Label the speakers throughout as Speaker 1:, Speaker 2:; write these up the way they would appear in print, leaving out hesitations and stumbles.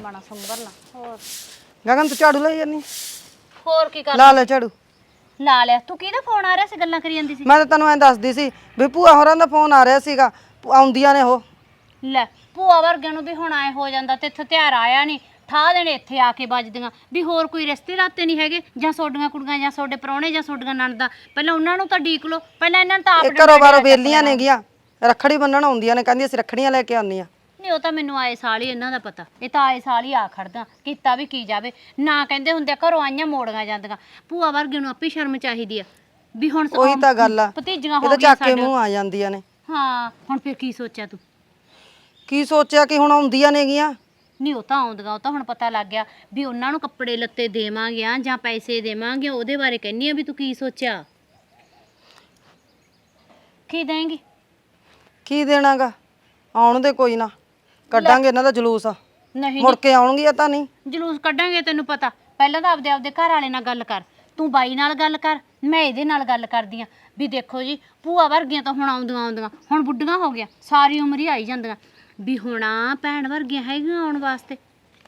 Speaker 1: ਮਾਣਾ ਸੰਭਰ ਲਾ। ਹੋਰ
Speaker 2: ਗਗਨ ਤੂੰ ਝਾੜੂ ਲਈ ਜਾਨੀ?
Speaker 1: ਹੋਰ ਕੀ ਕਰ
Speaker 2: ਲਾ ਲੈ ਝਾੜੂ।
Speaker 1: ਲਾ ਲਿਆ। ਤੂੰ ਕਿਹਦਾ ਫੋਨ ਆ ਰਿਹਾ ਸੀ, ਗੱਲਾਂ ਕਰੀ ਜਾਂਦੀ ਸੀ?
Speaker 2: ਮੈਂ ਤਾਂ ਤੈਨੂੰ ਐਂ ਦੱਸਦੀ ਸੀ ਵੀ ਭੂਆ ਹੋਰਾਂ ਦਾ ਫੋਨ ਆ ਰਿਹਾ ਸੀਗਾ, ਆਉਂਦੀਆਂ ਨੇ ਉਹ।
Speaker 1: ਲੈ ਭੂਆ ਵਰਗਿਆਂ ਨੂੰ ਵੀ ਹੁਣ ਆਏ ਹੋ ਜਾਂਦਾ ਤੇ ਇੱਥੇ ਤਿਉਹਾਰ ਆਇਆ ਨਹੀਂ, ਠਾ ਦੇਣੇ ਇੱਥੇ ਆ ਕੇ ਵੱਜਦੀਆਂ ਵੀ ਹੋਰ ਕੋਈ ਰਿਸ਼ਤੇ ਰਾਤੇ ਨਹੀਂ ਹੈਗੇ, ਜਾਂ ਸੋਡੀਆਂ ਕੁੜੀਆਂ ਜਾਂ ਸੋਡੇ ਪ੍ਰਾਹੁਣੇ ਜਾਂ ਸੋਡੀਆਂ ਨਣਦਾਂ, ਪਹਿਲਾਂ ਉਹਨਾਂ ਨੂੰ ਤਾਂ ਡੀਕ ਲੋ, ਪਹਿਲਾਂ ਇਹਨਾਂ ਨੂੰ ਤਾਂ ਆਪ
Speaker 2: ਘਰੋਂ ਬਾਰੋਂ ਵੇਲੀਆਂ ਨੇਗੀਆਂ, ਰੱਖੜੀ ਬੰਨਣ ਆਉਂਦੀਆਂ ਨੇ, ਕਹਿੰਦੀ ਅਸੀਂ ਰੱਖੜੀਆਂ ਲੈ ਕੇ ਆਉਂਦੀਆਂ।
Speaker 1: ਨਹੀਂ ਉਹ ਤਾਂ ਮੈਨੂੰ ਆਏ ਸਾਲ ਹੀ ਇਹਨਾਂ ਦਾ ਪਤਾ, ਇਹ ਤਾਂ ਆਏ ਸਾਲ ਹੀ ਆ ਖੜਦਾ, ਕੀਤਾ ਵੀ ਕੀ ਜਾਵੇ ਨਾ। ਕਹਿੰਦੇ ਹੁੰਦੇ ਘਰੋਂ ਆਈਆਂ ਮੋੜੀਆਂ ਜਾਂਦੀਆਂ। ਭੂਆ ਵਰਗੇ ਨੂੰ ਆਪੇ ਸ਼ਰਮ ਚਾਹੀਦੀ ਆ ਵੀ ਹੁਣ
Speaker 2: ਉਹੀ ਤਾਂ ਗੱਲ ਆ,
Speaker 1: ਭਤੀਜੀਆਂ ਹੋ
Speaker 2: ਇਹਦਾ
Speaker 1: ਗਈਆਂ
Speaker 2: ਚੱਕ ਕੇ ਮੂੰਹ ਆ ਜਾਂਦੀਆਂ ਨੇ।
Speaker 1: ਹਾਂ ਹੁਣ ਫਿਰ ਕੀ ਸੋਚਿਆ ਤੂੰ?
Speaker 2: ਕੀ ਸੋਚਿਆ ਕਿ ਹੁਣ ਆਉਂਦੀਆਂ ਨੇਗੀਆਂ।
Speaker 1: ਨਹੀਂ ਉਹ ਤਾਂ ਆਉਂਦੀਆਂ, ਉਹ ਤਾਂ ਹੁਣ ਪਤਾ ਲੱਗ ਗਿਆ ਵੀ ਉਹਨਾਂ ਨੂੰ ਕੱਪੜੇ ਲੱਤੇ ਦੇਵਾਂਗੇ ਜਾਂ ਪੈਸੇ ਦੇਵਾਂਗੇ, ਉਹਦੇ ਬਾਰੇ ਕਹਿੰਨੀ ਆ ਵੀ ਤੂੰ ਕੀ ਸੋਚਿਆ? ਕੀ ਦੇਂਗੀ?
Speaker 2: ਕੀ ਦੇਣਾਗਾ, ਆਉਣ ਦੇ ਕੋਈ ਨਾ, ਕੱਢਾਂਗੇ ਇਹਨਾਂ ਦਾ ਜਲੂਸ।
Speaker 1: ਨਹੀਂ
Speaker 2: ਮੁੜ ਕੇ ਆਉਣਗੀਆਂ ਤਾਂ ਨਹੀਂ।
Speaker 1: ਜਲੂਸ ਕੱਢਾਂਗੇ ਤੈਨੂੰ ਪਤਾ, ਪਹਿਲਾਂ ਤਾਂ ਆਪਦੇ ਘਰ ਵਾਲੇ ਨਾਲ ਗੱਲ ਕਰ, ਤੂੰ ਬਾਈ ਨਾਲ ਗੱਲ ਕਰ, ਮੈਂ ਇਹਦੇ ਨਾਲ ਗੱਲ ਕਰਦੀ ਆ ਵੀ ਦੇਖੋ ਜੀ ਭੂਆ ਵਰਗੀਆਂ ਤਾਂ ਹੁਣ ਆਉਂਦੀਆਂ ਹੁਣ ਬੁੱਢੀਆਂ ਹੋ ਗਿਆ, ਸਾਰੀ ਉਮਰ ਹੀ ਆਈ ਜਾਂਦੀਆਂ ਵੀ ਹੁਣ ਭੈਣ ਵਰਗੀਆਂ ਹੈਗੀਆਂ ਆਉਣ ਵਾਸਤੇ।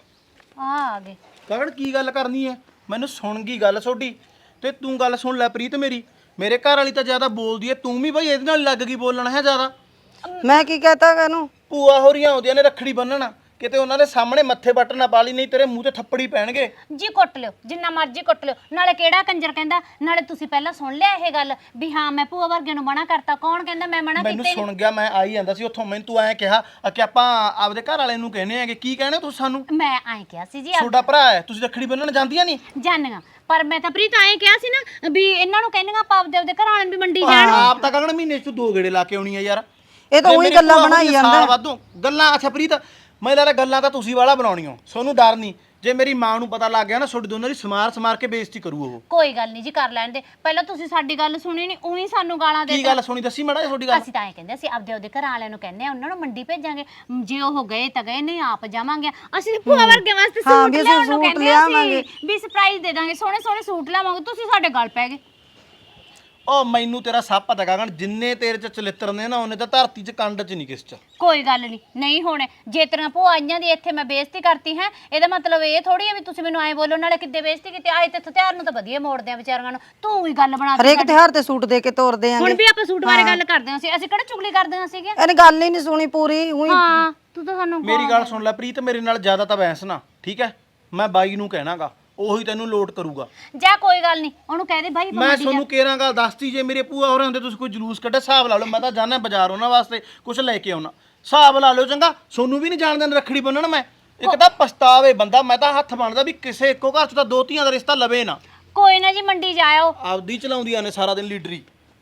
Speaker 1: ਆ ਗਏ
Speaker 3: ਕਗੜ ਕੀ ਗੱਲ ਕਰਨੀ ਐ? ਮੈਨੂੰ ਸੁਣ ਗਈ ਗੱਲ ਤੁਹਾਡੀ, ਤੇ ਤੂੰ ਗੱਲ ਸੁਣ ਲੈ ਪ੍ਰੀਤ ਮੇਰੀ। ਮੇਰੇ ਘਰ ਵਾਲੀ ਤਾਂ ਜ਼ਿਆਦਾ ਬੋਲਦੀ ਐ, ਤੂੰ ਵੀ ਬਈ ਇਹਦੇ ਨਾਲ ਲੱਗ ਗਈ ਬੋਲਣਾ ਹੈ ਜ਼ਿਆਦਾ।
Speaker 2: ਮੈਂ ਕੀ ਕਹਤਾ ਇਹਨੂੰ?
Speaker 3: ਭੂਆ ਹੋਰੀਆਂ ਆਉਂਦੀਆਂ ਨੇ ਰੱਖੜੀ ਬੰਨਣ, ਕਿਤੇ ਉਹਨਾਂ ਦੇ ਸਾਹਮਣੇ ਮੱਥੇ ਵੱਟ ਨਾ ਪਾ ਲਈ, ਨਹੀਂ ਤੇਰੇ ਮੂੰਹ ਤੇ ਥੱਪੜੀ ਪੈਣਗੇ।
Speaker 1: ਜੀ ਕੁੱਟ ਲਿਓ ਜਿੰਨਾ ਮਰਜ਼ੀ ਕੁੱਟ ਲਿਓ, ਨਾਲੇ ਕਿਹੜਾ ਕੰਜਰ ਕਹਿੰਦਾ, ਨਾਲੇ ਤੁਸੀਂ ਪਹਿਲਾਂ ਸੁਣ ਲਿਆ ਇਹ ਗੱਲ ਵੀ ਹਾਂ ਮੈਂ ਭੂਆ ਵਰਗੇ ਨੂੰ ਮਨਾ ਕਰਤਾ? ਕੌਣ ਕਹਿੰਦਾ ਮੈਂ ਮਨਾ
Speaker 3: ਮੈਨੂੰ
Speaker 1: ਕੀਤਾ?
Speaker 3: ਸੁਣ ਗਿਆ, ਮੈਂ ਆਈ ਜਾਂਦਾ ਸੀ ਉੱਥੋਂ, ਮੈਨੂੰ ਤੂੰ ਐਂ ਕਿਹਾ ਕਿ ਆਪਾਂ ਆਪਦੇ ਘਰ ਵਾਲੇ ਨੂੰ ਕਹਿੰਦੇ ਆਂਗੇ। ਕੀ ਕਹਿਣਾ ਤੁਸੀਂ ਸਾਨੂੰ?
Speaker 1: ਮੈਂ ਐਂ ਕਿਹਾ ਸੀ ਜੀ
Speaker 3: ਤੁਹਾਡਾ ਭਰਾ ਹੈ, ਤੁਸੀਂ ਰੱਖੜੀ ਬੰਨਣ ਜਾਂਦੀਆਂ ਨਹੀਂ?
Speaker 1: ਜਾਣੀਆਂ, ਪਰ ਮੈਂ ਤਾਂ ਪ੍ਰੀਤ ਐਂ ਕਿਹਾ ਸੀ ਨਾ ਵੀ ਇਹਨਾਂ ਨੂੰ ਕਹਿੰਦੀਆਂ ਆਪਾਂ ਆਪਦੇ ਘਰ ਵਾਲਿਆਂ ਨੂੰ ਵੀ ਮੰਡੀ ਜਾਣ।
Speaker 3: ਆਪ ਤਾਂ ਕਗਣ ਮਹੀਨੇ 'ਚ 2 ਗੇੜੇ ਲਾ ਕੇ ਆਉਣੀ ਆ ਯਾਰ।
Speaker 2: ਇਹ ਤਾਂ ਉਹੀ ਗੱਲਾਂ ਬਣਾਈ ਜਾਂਦਾ
Speaker 3: ਵਾਧੂ ਗੱਲਾਂ। ਅੱਛਾ ਪ੍ਰੀਤ, ਮੈਂ ਲੱਗਦਾ ਗੱਲਾਂ ਤਾਂ ਤੁਸੀਂ ਵਾਲਾ ਬਣਾਉਣੀਓ, ਤੁਹਾਨੂੰ ਡਰ ਨਹੀਂ। ਜੇ ਮੇਰੀ ਮਾਂ ਨੂੰ ਪਤਾ ਲੱਗ ਗਿਆ ਨਾ, ਤੁਹਾਡੀ ਦੋਨਾਂ ਦੀ ਸਮਾਰ ਕੇ ਬੇਇੱਜ਼ਤੀ ਕਰੂ ਉਹ।
Speaker 1: ਕੋਈ ਗੱਲ ਨਹੀਂ ਜੀ, ਕਰ ਲੈਣ ਦੇ। ਪਹਿਲਾਂ ਤੁਸੀਂ ਸਾਡੀ ਗੱਲ ਸੁਣੀ ਨਹੀਂ, ਉਹੀ ਸਾਨੂੰ ਗਾਲਾਂ ਦੇ।
Speaker 3: ਕੀ ਗੱਲ ਸੁਣੀ, ਦੱਸੀ ਮਾੜਾ ਜਿਹਾ ਤੁਹਾਡੀ ਗੱਲ।
Speaker 1: ਅਸੀਂ ਤਾਂ ਐਂ ਕਹਿੰਦੇ ਅਸੀਂ ਆਪਦੇ ਘਰ ਵਾਲਿਆਂ ਨੂੰ ਕਹਿੰਦੇ ਆ ਉਹਨਾਂ ਨੂੰ ਮੰਡੀ ਭੇਜਾਂਗੇ, ਜੇ ਉਹ ਗਏ ਤਾਂ ਗਏ, ਨਹੀਂ ਆਪ ਜਾਵਾਂਗੇ। ਅਸੀਂ ਭੂਆ ਵਰਗੇ ਵਾਸਤੇ ਸੂਟ ਲਿਆਉਣ ਨੂੰ ਕਹਿੰਦੇ ਆ, ਵੀ ਸਰਪ੍ਰਾਈਜ਼ ਦੇ ਦਾਂਗੇ, ਸੋਹਣੇ ਸੋਹਣੇ ਸੂਟ ਲਿਆਵਾਂਗੇ, ਤੁਸੀਂ ਸਾਡੇ ਗੱਲ ਪੈ ਗਏ।
Speaker 3: ਉਹ ਮੈਨੂੰ ਤੇਰਾ ਸਭ ਪਤਾ ਗਗਨ, ਜਿੰਨੇ ਤੇਰੇ ਚ ਚਲਿੱਤਰ ਨੇ ਨਾ, ਉਹਨੇ ਤਾਂ ਧਰਤੀ ਚ ਕੰਡ ਚ ਨਹੀਂ ਕਿਸ ਚ।
Speaker 1: ਕੋਈ ਗੱਲ ਨਹੀਂ ਹੋਣੇ। ਜੇ ਤੇਰੀਆਂ ਭੂਆ ਆਈਆਂ ਦੀ ਇੱਥੇ ਮੈਂ ਬੇਇੱਜ਼ਤੀ ਕਰਤੀ ਹੈ, ਇਹਦਾ ਮਤਲਬ ਇਹ ਥੋੜੀ ਹੈ ਵੀ ਤੁਸੀਂ ਮੈਨੂੰ ਐਂ ਬੋਲੋ। ਨਾਲੇ ਕਿੱਦੇ ਬੇਇੱਜ਼ਤੀ ਕੀਤੀ, ਆਏ ਤੇ ਤਿਉਹਾਰ ਨੂੰ ਤਾਂ ਵਧੀਆ ਮੋੜਦੇ ਆ ਵਿਚਾਰੀਆਂ ਨੂੰ, ਤੂੰ ਹੀ ਗੱਲ ਬਣਾ
Speaker 2: ਹਰੇਕ ਤਿਉਹਾਰ ਤੇ ਸੂਟ ਦੇ ਕੇ ਤੋਰਦੇ ਆਂਗੇ।
Speaker 1: ਹੁਣ ਵੀ ਆਪਾਂ ਸੂਟ ਬਾਰੇ ਗੱਲ ਕਰਦੇ ਹਾਂ, ਅਸੀਂ ਕਿਹੜਾ ਚੁਗਲੀ ਕਰਦੇ ਹਾਂ ਸੀਗੇ?
Speaker 2: ਇਹਨੇ ਗੱਲ ਹੀ ਨਹੀਂ ਸੁਣੀ ਪੂਰੀ। ਉਹੀ
Speaker 1: ਹਾਂ ਤੂੰ ਤਾਂ ਸਾਨੂੰ
Speaker 3: ਮੇਰੀ ਗੱਲ ਸੁਣ ਲੈ ਪ੍ਰੀਤ, ਮੇਰੇ ਨਾਲ ਜ਼ਿਆਦਾ ਤਾਂ ਬਹਿਸ ਨਾ, ਠੀਕ ਹੈ? ਮੈਂ ਬਾਈ ਨੂੰ ਕਹਿਣਾਗਾ, ਉਹੀ ਤੈਨੂੰ ਲੋਟ ਕਰੂਗਾ।
Speaker 1: ਜਾ ਕੋਈ ਗੱਲ ਨਹੀਂ, ਉਹਨੂੰ ਕਹਿ ਦੇ ਭਾਈ
Speaker 3: ਮੈਂ ਤੁਹਾਨੂੰ ਕੇਰਾਂ ਗੱਲ ਦੱਸਤੀ, ਜੇ ਮੇਰੇ ਭੂਆ ਹੋਰਾਂ ਹੁੰਦੇ ਤੁਸੀਂ ਕੋਈ ਜਲੂਸ ਕੱਢਿਆ, ਹਿਸਾਬ ਲਾ ਲਓ। ਮੈਂ ਤਾਂ ਜਾਣਾ ਬਾਜ਼ਾਰ ਉਹਨਾਂ ਵਾਸਤੇ ਕੁਝ ਲੈ ਕੇ ਆਉਣਾ, ਹਿਸਾਬ ਲਾ ਲਿਓ ਚੰਗਾ। ਸੋਨੂੰ ਵੀ ਨਹੀਂ ਜਾਣ ਦੇਣਾ ਰੱਖੜੀ ਬੰਨਣ ਮੈਂ। ਇੱਕ ਤਾਂ ਪਛਤਾਵੇ ਬੰਦਾ, ਮੈਂ ਤਾਂ ਹੱਥ ਬਣਦਾ ਵੀ ਕਿਸੇ ਇੱਕੋ ਘਰ ਚ ਤਾਂ 2 ਧੀਆਂ ਦਾ ਰਿਸ਼ਤਾ ਲਵੇ ਨਾ।
Speaker 1: ਕੋਈ ਨਾ ਜੀ ਮੰਡੀ ਜਾਇਓ।
Speaker 3: ਆਪਦੀ ਚਲਾਉਂਦੀਆਂ ਨੇ ਸਾਰਾ ਦਿਨ ਲੀਡਰੀ।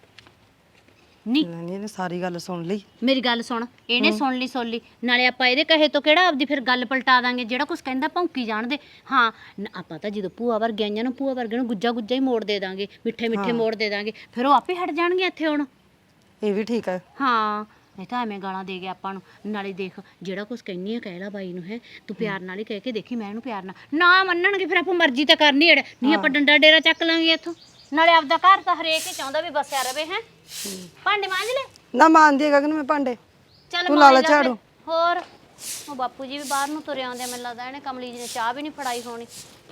Speaker 1: ਨਹੀਂ
Speaker 2: ਇਹਨੇ ਸਾਰੀ ਗੱਲ ਸੁਣ ਲਈ।
Speaker 1: ਮੇਰੀ ਗੱਲ ਸੁਣ, ਇਹਨੇ ਸੁਣ ਲਈ ਨਾਲੇ ਆਪਾਂ ਇਹਦੇ ਕਹੇ ਤੋਂ ਕਿਹੜਾ ਆਪਦੀ ਫਿਰ ਗੱਲ ਪਲਟਾ ਦਾਂਗੇ। ਜਿਹੜਾ ਕੁਝ ਕਹਿੰਦਾ ਭੌਂਕੀ ਜਾਣਦੇ। ਹਾਂ ਆਪਾਂ ਤਾਂ ਜਦੋਂ ਭੂਆ ਵਰਗੇ ਆਈਆਂ ਨੂੰ, ਭੂਆ ਵਰਗੇ ਨੂੰ ਗੁੱਜਾ ਹੀ ਮੋੜ ਦੇ ਦਾਂਗੇ, ਮਿੱਠੇ ਮੋੜ ਦੇ ਦਾਂਗੇ, ਫਿਰ ਉਹ ਆਪੇ ਹਟ ਜਾਣਗੇ ਇੱਥੇ ਹੁਣ।
Speaker 2: ਇਹ ਵੀ ਠੀਕ ਹੈ।
Speaker 1: ਹਾਂ ਨਹੀਂ ਤਾਂ ਐਵੇਂ ਗਾਲਾਂ ਦੇ ਗਿਆ ਆਪਾਂ ਨੂੰ। ਨਾਲੇ ਦੇਖ ਜਿਹੜਾ ਕੁਝ ਕਹਿੰਨੀ ਆ ਕਹਿ ਲਾ ਬਾਈ ਨੂੰ, ਹੈ ਤੂੰ ਪਿਆਰ ਨਾਲ ਹੀ ਕਹਿ ਕੇ ਦੇਖੀ, ਮੈਂ ਇਹਨੂੰ ਪਿਆਰ ਨਾ ਮੰਨਣਗੇ ਫਿਰ ਆਪਾਂ ਮਰਜ਼ੀ ਤਾਂ ਕਰਨੀ ਅੜ, ਨਹੀਂ ਆਪਾਂ ਡੰਡਾ ਡੇਰਾ ਚੱਕ ਲਾਂਗੇ ਇੱਥੋਂ। ਨਾਲੇ ਆਪਦਾ ਘਰ ਤਾਂ ਹਰੇਕ ਹੀ ਚਾਹੁੰਦਾ ਵੀ ਬਸਿਆ ਰਵੇ। ਹੈ ਭਾਂਡੇ ਮਾਂਜ ਲੈ
Speaker 2: ਨਾ ਮਾਂਜਦੀ ਗਗਨ ਮੈਂ ਭਾਂਡੇ,
Speaker 1: ਚੱਲ
Speaker 2: ਤੂੰ ਲਾ ਲੈ ਝਾੜੂ।
Speaker 1: ਹੋਰ ਉਹ ਬਾਪੂ ਜੀ ਵੀ ਬਾਹਰ ਨੂੰ ਤੁਰੇ ਆਉਂਦੇ, ਮੈਨੂੰ ਲੱਗਦਾ ਇਹਨੇ ਕਮਲੀ ਜੀ ਨੇ ਚਾਹ ਵੀ ਨਹੀਂ ਫੜਾਈ ਹੋਣੀ।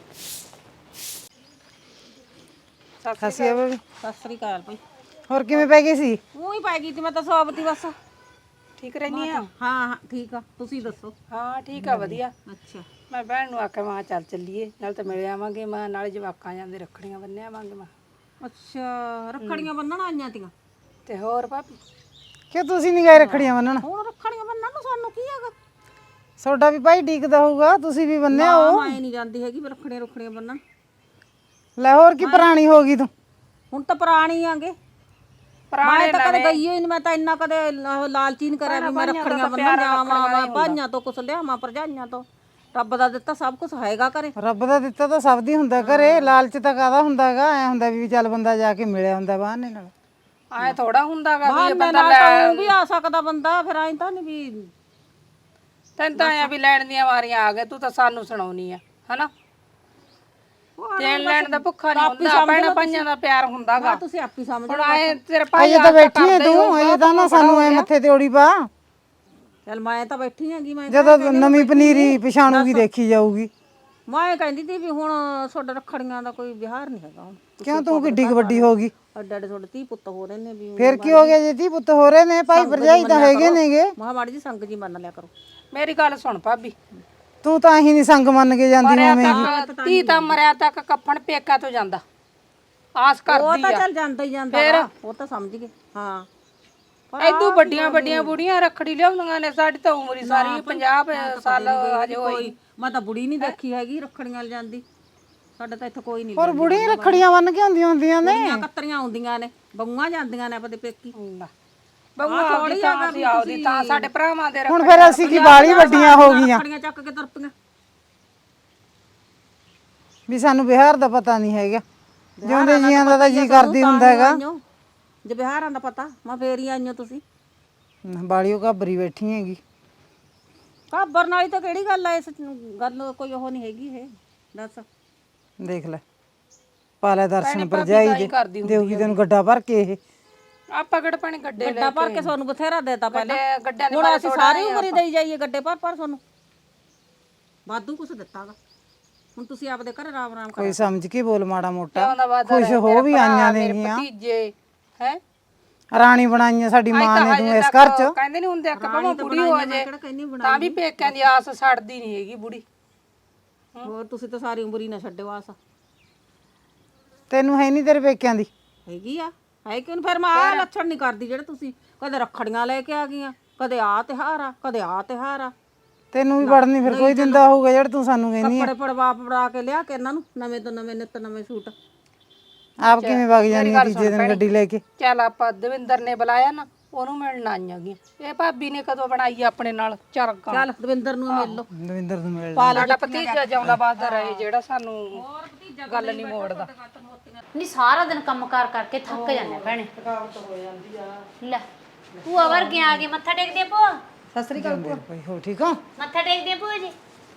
Speaker 2: ਸਤਿ
Speaker 4: ਸ੍ਰੀ ਅਕਾਲ ਭਾਈ।
Speaker 2: ਹੋਰ ਕਿਵੇਂ ਪੈ ਗਈ ਸੀ?
Speaker 4: ਉਹੀ ਪੈ ਗਈ ਤੇ ਮੈਂ ਤਾਂ ਸੌਬਤੀ ਬਸ।
Speaker 5: ਠੀਕ ਰਹਿਨੀ ਆ?
Speaker 4: ਹਾਂ ਠੀਕ ਆ, ਤੁਸੀਂ ਦੱਸੋ?
Speaker 5: ਹਾਂ ਠੀਕ ਆ, ਵਧੀਆ।
Speaker 4: ਅੱਛਾ,
Speaker 5: ਮੈਂ ਭੈਣ ਨੂੰ ਆਖਿਆ ਮੈਂ ਚੱਲ ਚੱਲੀਏ, ਨਾਲ ਤਾਂ ਮਿਲ ਆਵਾਂਗੇ, ਮੈਂ ਨਾਲੇ ਜਵਾਕਾਂ ਜਾਂਦੇ ਰੱਖੜੀਆਂ ਬੰਨ੍ਹ ਆਵਾਂਗੇ। ਮੈਂ
Speaker 4: ਅੱਛਾ ਰੱਖੜੀਆਂ ਬੰਨਣ ਆਈਆਂ ਤੀਆਂ
Speaker 5: ਤੇ ਹੋਰ ਭਾਬੀ
Speaker 2: ਕਿ ਤੁਸੀਂ ਨਹੀਂ ਗਏ ਰੱਖੜੀਆਂ ਬੰਨਣ?
Speaker 4: ਹੁਣ ਰੱਖੜੀਆਂ ਬੰਨਣ ਨੂੰ ਸਾਨੂੰ ਕੀ ਹੈਗਾ?
Speaker 2: ਤੁਹਾਡਾ ਵੀ ਭਾਈ ਡੀਕਦਾ ਹੋਊਗਾ, ਤੁਸੀਂ ਵੀ ਬੰਨਿਆ ਹੋ।
Speaker 4: ਮੈਂ ਨਹੀਂ ਜਾਂਦੀ ਹੈਗੀ ਰੱਖੜੀਆਂ ਬੰਨਣ।
Speaker 2: ਲੈ ਹੋਰ ਕੀ ਪੁਰਾਣੀ ਹੋ ਗਈ ਤੂੰ?
Speaker 4: ਹੁਣ ਤਾਂ ਪੁਰਾਣੀ ਆਂਗੇ, ਮੈਂ ਤਾਂ ਕਦੇ ਗਈ ਹੀ ਨਹੀਂ। ਮੈਂ ਤਾਂ ਇੰਨਾ ਕਦੇ ਲਾਲਚੀ ਨਹੀਂ ਕਰਿਆ ਵੀ ਮੈਂ ਰੱਖੜੀਆਂ ਬੰਨਣ ਜਾਵਾਂ, ਭਾਈਆਂ ਤੋਂ ਕੁਛ ਲਿਆਵਾਂ, ਭਰਜਾਈਆਂ ਤੋਂ। ਰੱਬ ਦਾ ਦਿੱਤਾ ਸਭ ਕੁਝ ਹੈਗਾ ਘਰੇ।
Speaker 2: ਰੱਬ ਦਾ ਦਿੱਤਾ ਤਾਂ ਸਭ ਦੀ ਹੁੰਦਾ ਘਰੇ, ਲਾਲਚ ਤਾਂ ਕਾਹਦਾ ਹੁੰਦਾਗਾ? ਐ ਹੁੰਦਾ ਵੀ ਚੱਲ ਬੰਦਾ ਜਾ ਕੇ ਮਿਲਿਆ ਹੁੰਦਾ ਬਹਾਨੇ ਨਾਲ।
Speaker 5: ਆਏ ਥੋੜਾ ਹੁੰਦਾਗਾ ਵੀ ਇਹ
Speaker 4: ਬੰਦਾ ਲੈ ਵੀ ਆ ਸਕਦਾ ਬੰਦਾ, ਫਿਰ ਐਂ ਤਾਂ ਨਹੀਂ ਵੀ
Speaker 5: ਤੈਨੂੰ ਤਾਂ ਆਇਆ ਵੀ ਲੈਣ ਦੀਆਂ ਵਾਰੀਆਂ ਆ ਗਏ, ਤੂੰ ਤਾਂ ਸਾਨੂੰ ਸੁਣਾਉਣੀ ਆ ਹਨਾ। ਦੇਣ ਲੈਣ ਦਾ ਭੁੱਖਾ ਨਹੀਂ ਹੁੰਦਾ, ਭੈਣਾਂ ਭਾਈਆਂ ਦਾ ਪਿਆਰ ਹੁੰਦਾਗਾ।
Speaker 4: ਤੁਸੀਂ ਆਪ ਹੀ ਸਮਝ
Speaker 5: ਹੁਣ ਆਏ ਤੇਰੇ ਭਾਈ
Speaker 2: ਅਜੇ ਤਾਂ ਬੈਠੀ ਐ ਤੂੰ, ਅਜੇ ਤਾਂ ਨਾ ਸਾਨੂੰ ਐ ਮੱਥੇ ਤੇ ਓੜੀ ਪਾ।
Speaker 4: ਚੱਲ ਮੈਂ ਤਾਂ ਬੈਠੀ ਹੈਗੀ ਮੈਂ
Speaker 2: ਜਦੋਂ ਨਵੀਂ ਪਨੀਰੀ ਪਛਾਣੂਗੀ ਦੇਖੀ ਜਾਊਗੀ।
Speaker 4: ਮੈਂ ਕਹਿੰਦੀ ਤੀ ਵੀ ਹੁਣ ਤੁਹਾਡਾ ਰੱਖੜੀਆਂ ਦਾ ਕੋਈ ਵਿਹਾਰ ਨਹੀਂ ਹੈਗਾ ਹੁਣ
Speaker 2: ਕਿਉਂ ਤੂੰ ਕਿੱਡੀ ਕੁ ਵੱਡੀ ਹੋ ਗਈ?
Speaker 4: ਅੱਡੇ ਅੱਡੇ ਤੁਹਾਡੇ 30 ਪੁੱਤ ਹੋ ਰਹੇ ਨੇ ਵੀ
Speaker 2: ਫਿਰ ਕੀ ਹੋ ਗਿਆ ਜੇ ਧੀ ਪੁੱਤ ਹੋ ਰਹੇ ਨੇ? ਭਾਈ ਭਰਜਾਈ ਤਾਂ ਹੈਗੇ ਨੇਗੇ।
Speaker 4: ਮਹਾ ਮਾੜੀ ਜੀ ਸੰਗ ਜੀ ਮੰਨ ਲਿਆ ਕਰੋ।
Speaker 5: ਮੇਰੀ ਗੱਲ ਸੁਣ ਭਾਬੀ,
Speaker 2: ਤੂੰ ਤਾਂ ਹੀ ਨਹੀਂ ਸੰਗ ਮੰਨ ਕੇ ਜਾਂਦੀ ਮਾਵੇਂ।
Speaker 5: ਧੀ ਤਾਂ ਮਰਿਆ ਤੱਕ ਕੱਫਣ ਪੇਕਾ ਤੋਂ ਜਾਂਦਾ, ਆਸ
Speaker 4: ਉਹ
Speaker 5: ਕਰਦੀ
Speaker 4: ਤਾਂ
Speaker 5: ਆ।
Speaker 4: ਚੱਲ ਜਾਂਦਾ ਹੀ ਜਾਂਦਾ ਵਾ, ਉਹ ਤਾਂ ਸਮਝ ਗਏ। ਹਾਂ
Speaker 5: ਐਦੂ ਵੱਡੀਆਂ ਵੱਡੀਆਂ ਬੁੜੀਆਂ ਰੱਖੜੀ ਲਿਆਉਂਦੀਆਂ ਨੇ, ਸਾਡੀ ਤਾਂ ਉਮਰ ਹੀ ਸਾਰੀ 50 ਸਾਲ ਹਜੇ ਹੋਈ।
Speaker 4: ਮੈਂ ਤਾਂ ਬੁੜੀ ਨਹੀਂ ਦੇਖੀ ਹੈਗੀ ਰੱਖੜੀਆਂ ਲ ਜਾਂਦੀ। ਸਾਡੇ ਤਾਂ ਇੱਥੇ ਕੋਈ ਨਹੀਂ।
Speaker 2: ਹੋਰ ਬੁੜੀ ਰੱਖੜੀਆਂ ਬੰਨ ਕੇ ਆਉਂਦੀਆਂ ਹੁੰਦੀਆਂ ਨੇ।
Speaker 4: ਕੁੜੀਆਂ ਕੱਤਰੀਆਂ ਆਉਂਦੀਆਂ ਨੇ, ਬੰਗਾਂ ਜਾਂਦੀਆਂ ਨੇ ਆਪਣੇ ਪੇਕੀ।
Speaker 5: ਬੰਗੂ ਆਉਦੀ ਤਾਂ ਅਸੀਂ ਆਉਦੀ ਤਾਂ ਸਾਡੇ ਭਰਾਵਾਂ ਦੇ
Speaker 2: ਹੁਣ ਫਿਰ ਅਸੀਂ ਕੀ ਬਾਲੀ ਵੱਡੀਆਂ ਹੋ ਗਈਆਂ
Speaker 4: ਰੱਖੜੀਆਂ ਚੱਕ ਕੇ ਤੁਰਪੀਆਂ।
Speaker 2: ਵੀ ਸਾਨੂੰ ਬਿਹਾਰ ਦਾ ਪਤਾ ਨਹੀਂ ਹੈਗਾ। ਜਿਉਂਦੇ ਜੀਆਂ ਦਾ ਤਾਂ ਜੀ ਕਰਦੀ ਹੁੰਦਾ ਹੈਗਾ।
Speaker 4: ਜੇ ਬਿਹਾਰਾਂ ਦਾ ਪਤਾ ਮੈਂ ਫੇਰ ਹੀ ਆਈਆਂ ਤੁਸੀਂ।
Speaker 2: ਬਾਲੀਓ ਘਾਬਰੀ ਬੈਠੀ ਹੈਗੀ।
Speaker 4: ਘਾਬਰਨ ਵਾਲੀ ਤਾਂ ਕਿਹੜੀ ਗੱਲ ਐ? ਇਸ ਗੱਲ ਕੋਈ ਉਹ ਨਹੀਂ ਹੈਗੀ ਇਹ। ਦੱਸ
Speaker 2: ਦੇਖ ਲੈ, ਪਾ ਲੈ ਦਰਸ਼ਨ ਭਰਜਾਈ ਦੇ, ਦੇਊਗੀ ਤੈਨੂੰ ਗੱਡਾ ਭਰ ਕੇ। ਇਹ
Speaker 5: ਆਪਾਂ ਕਿਹੜਾ ਪਾਣੀ ਗੱਡੇ
Speaker 4: ਗੱਡਾ ਭਰ ਕੇ ਤੁਹਾਨੂੰ ਬਥੇਰਾ ਦੇਤਾ ਪਹਿਲਾਂ।
Speaker 5: ਗੱਡਿਆਂ ਦੇ
Speaker 4: ਹੁਣ ਅਸੀਂ ਸਾਰੀ ਉਮਰ ਹੀ ਦੇਈ ਜਾਈਏ ਗੱਡੇ ਭਰ ਤੁਹਾਨੂੰ। ਵਾਧੂ ਕੁਛ ਦਿੱਤਾਗਾ। ਹੁਣ ਤੁਸੀਂ ਆਪਦੇ ਘਰ ਆਰਾਮ ਆਰਾਮ
Speaker 2: ਕੋਈ ਸਮਝ ਕੇ ਬੋਲ ਮਾੜਾ ਮੋਟਾ।
Speaker 5: ਦਾ ਵਾਦਾ
Speaker 2: ਖੁਸ਼ ਹੋ ਵੀ ਆਈਆਂ ਨੇਗੀਆਂ।
Speaker 5: ਭਤੀਜੇ ਹੈ
Speaker 2: ਰਾਣੀ ਬਣਾਈਆਂ ਸਾਡੀ ਮਾਂ ਨੇ ਤੂੰ ਇਸ ਘਰ ਚ।
Speaker 5: ਕਹਿੰਦੇ ਨਹੀਂ ਹੁੰਦੇ ਕਿ ਭਾਵੇਂ ਬੁੜੀ ਹੋ ਜਾਏ ਤਾਂ ਵੀ ਪੇਕਿਆਂ ਦੀ ਆਸ ਛੱਡਦੀ ਨਹੀਂ ਹੈਗੀ ਬੁੜੀ।
Speaker 4: ਹੋਰ ਤੁਸੀਂ ਤਾਂ ਸਾਰੀ ਉਮਰ ਹੀ ਨਾ ਛੱਡਿਓ ਆਸ।
Speaker 2: ਤੈਨੂੰ ਹੈ ਨਹੀਂ ਤੇਰੇ ਪੇਕਿਆਂ ਦੀ?
Speaker 4: ਹੈਗੀ ਆ, ਹੈ ਕਿਉਂ? ਫਿਰ ਮੈਂ ਆਹ ਲੱਛਣ ਨਹੀਂ ਕਰਦੀ ਜਿਹੜੇ ਤੁਸੀਂ ਕਦੇ ਰੱਖੜੀਆਂ ਲੈ ਕੇ ਆ ਗਈਆਂ, ਕਦੇ ਆ ਤਿਉਹਾਰ ਆ, ਕਦੇ ਆ ਤਿਉਹਾਰ ਆ।
Speaker 2: ਤੈਨੂੰ ਵੀ ਵੜਨੀ ਫਿਰ ਕੋਈ ਦਿੰਦਾ ਹੋਊਗਾ ਜਿਹੜਾ ਤੂੰ ਸਾਨੂੰ ਕਹਿੰਦੀ ਆ।
Speaker 4: ਕੱਪੜੇ ਪੜਵਾ ਕੇ ਲਿਆ ਕੇ ਇਹਨਾਂ ਨੂੰ ਨਵੇਂ ਤੋਂ ਨਵੇਂ, ਨਿੱਤ ਨਵੇਂ ਸੂਟ।
Speaker 2: ਆਪ ਕਿਵੇਂ ਵਗ ਜਾਂਦੀ ਆ ਤੀਜੇ ਦਿਨ ਗੱਡੀ ਲੈ ਕੇ?
Speaker 5: ਚੱਲ ਆਪਾਂ ਦਵਿੰਦਰ ਨੇ ਬੁਲਾਇਆ ਨਾ, ਉਹਨੂੰ ਮਿਲਣ ਆਈਆਂ ਗੀਆਂ। ਇਹ ਭਾਬੀ ਨੇ ਕਦੋਂ ਬਣਾਈ ਆਪਣੇ ਨਾਲ ਚਰਗਾ।
Speaker 4: ਚੱਲ ਦਵਿੰਦਰ ਨੂੰ ਮਿਲ ਲਓ।
Speaker 2: ਦਵਿੰਦਰ ਨੂੰ ਮਿਲ
Speaker 5: ਸਾਡਾ ਭਤੀਜਾ ਜਿਉਂਦਾ ਵੱਸਦਾ ਰਹੇ ਜਿਹੜਾ ਸਾਨੂੰ ਗੱਲ ਨਹੀਂ ਮੋੜਦਾ।
Speaker 1: ਨਹੀਂ ਸਾਰਾ ਦਿਨ ਕੰਮ ਕਾਰ ਕਰਕੇ ਥੱਕ ਜਾਂਦੇ ਭੈਣੇ। ਲੈ ਭੂਆ ਵਰਗੀਆਂ ਆ ਗਈ, ਮੱਥਾ ਟੇਕਦੀ ਆ ਭੂਆ।
Speaker 2: ਸਤਿ ਸ੍ਰੀ ਅਕਾਲ ਭਾਈ। ਹੋ ਠੀਕ ਹੋ?
Speaker 1: ਮੱਥਾ ਟੇਕਦੀ ਆ ਭੂਆ ਜੀ।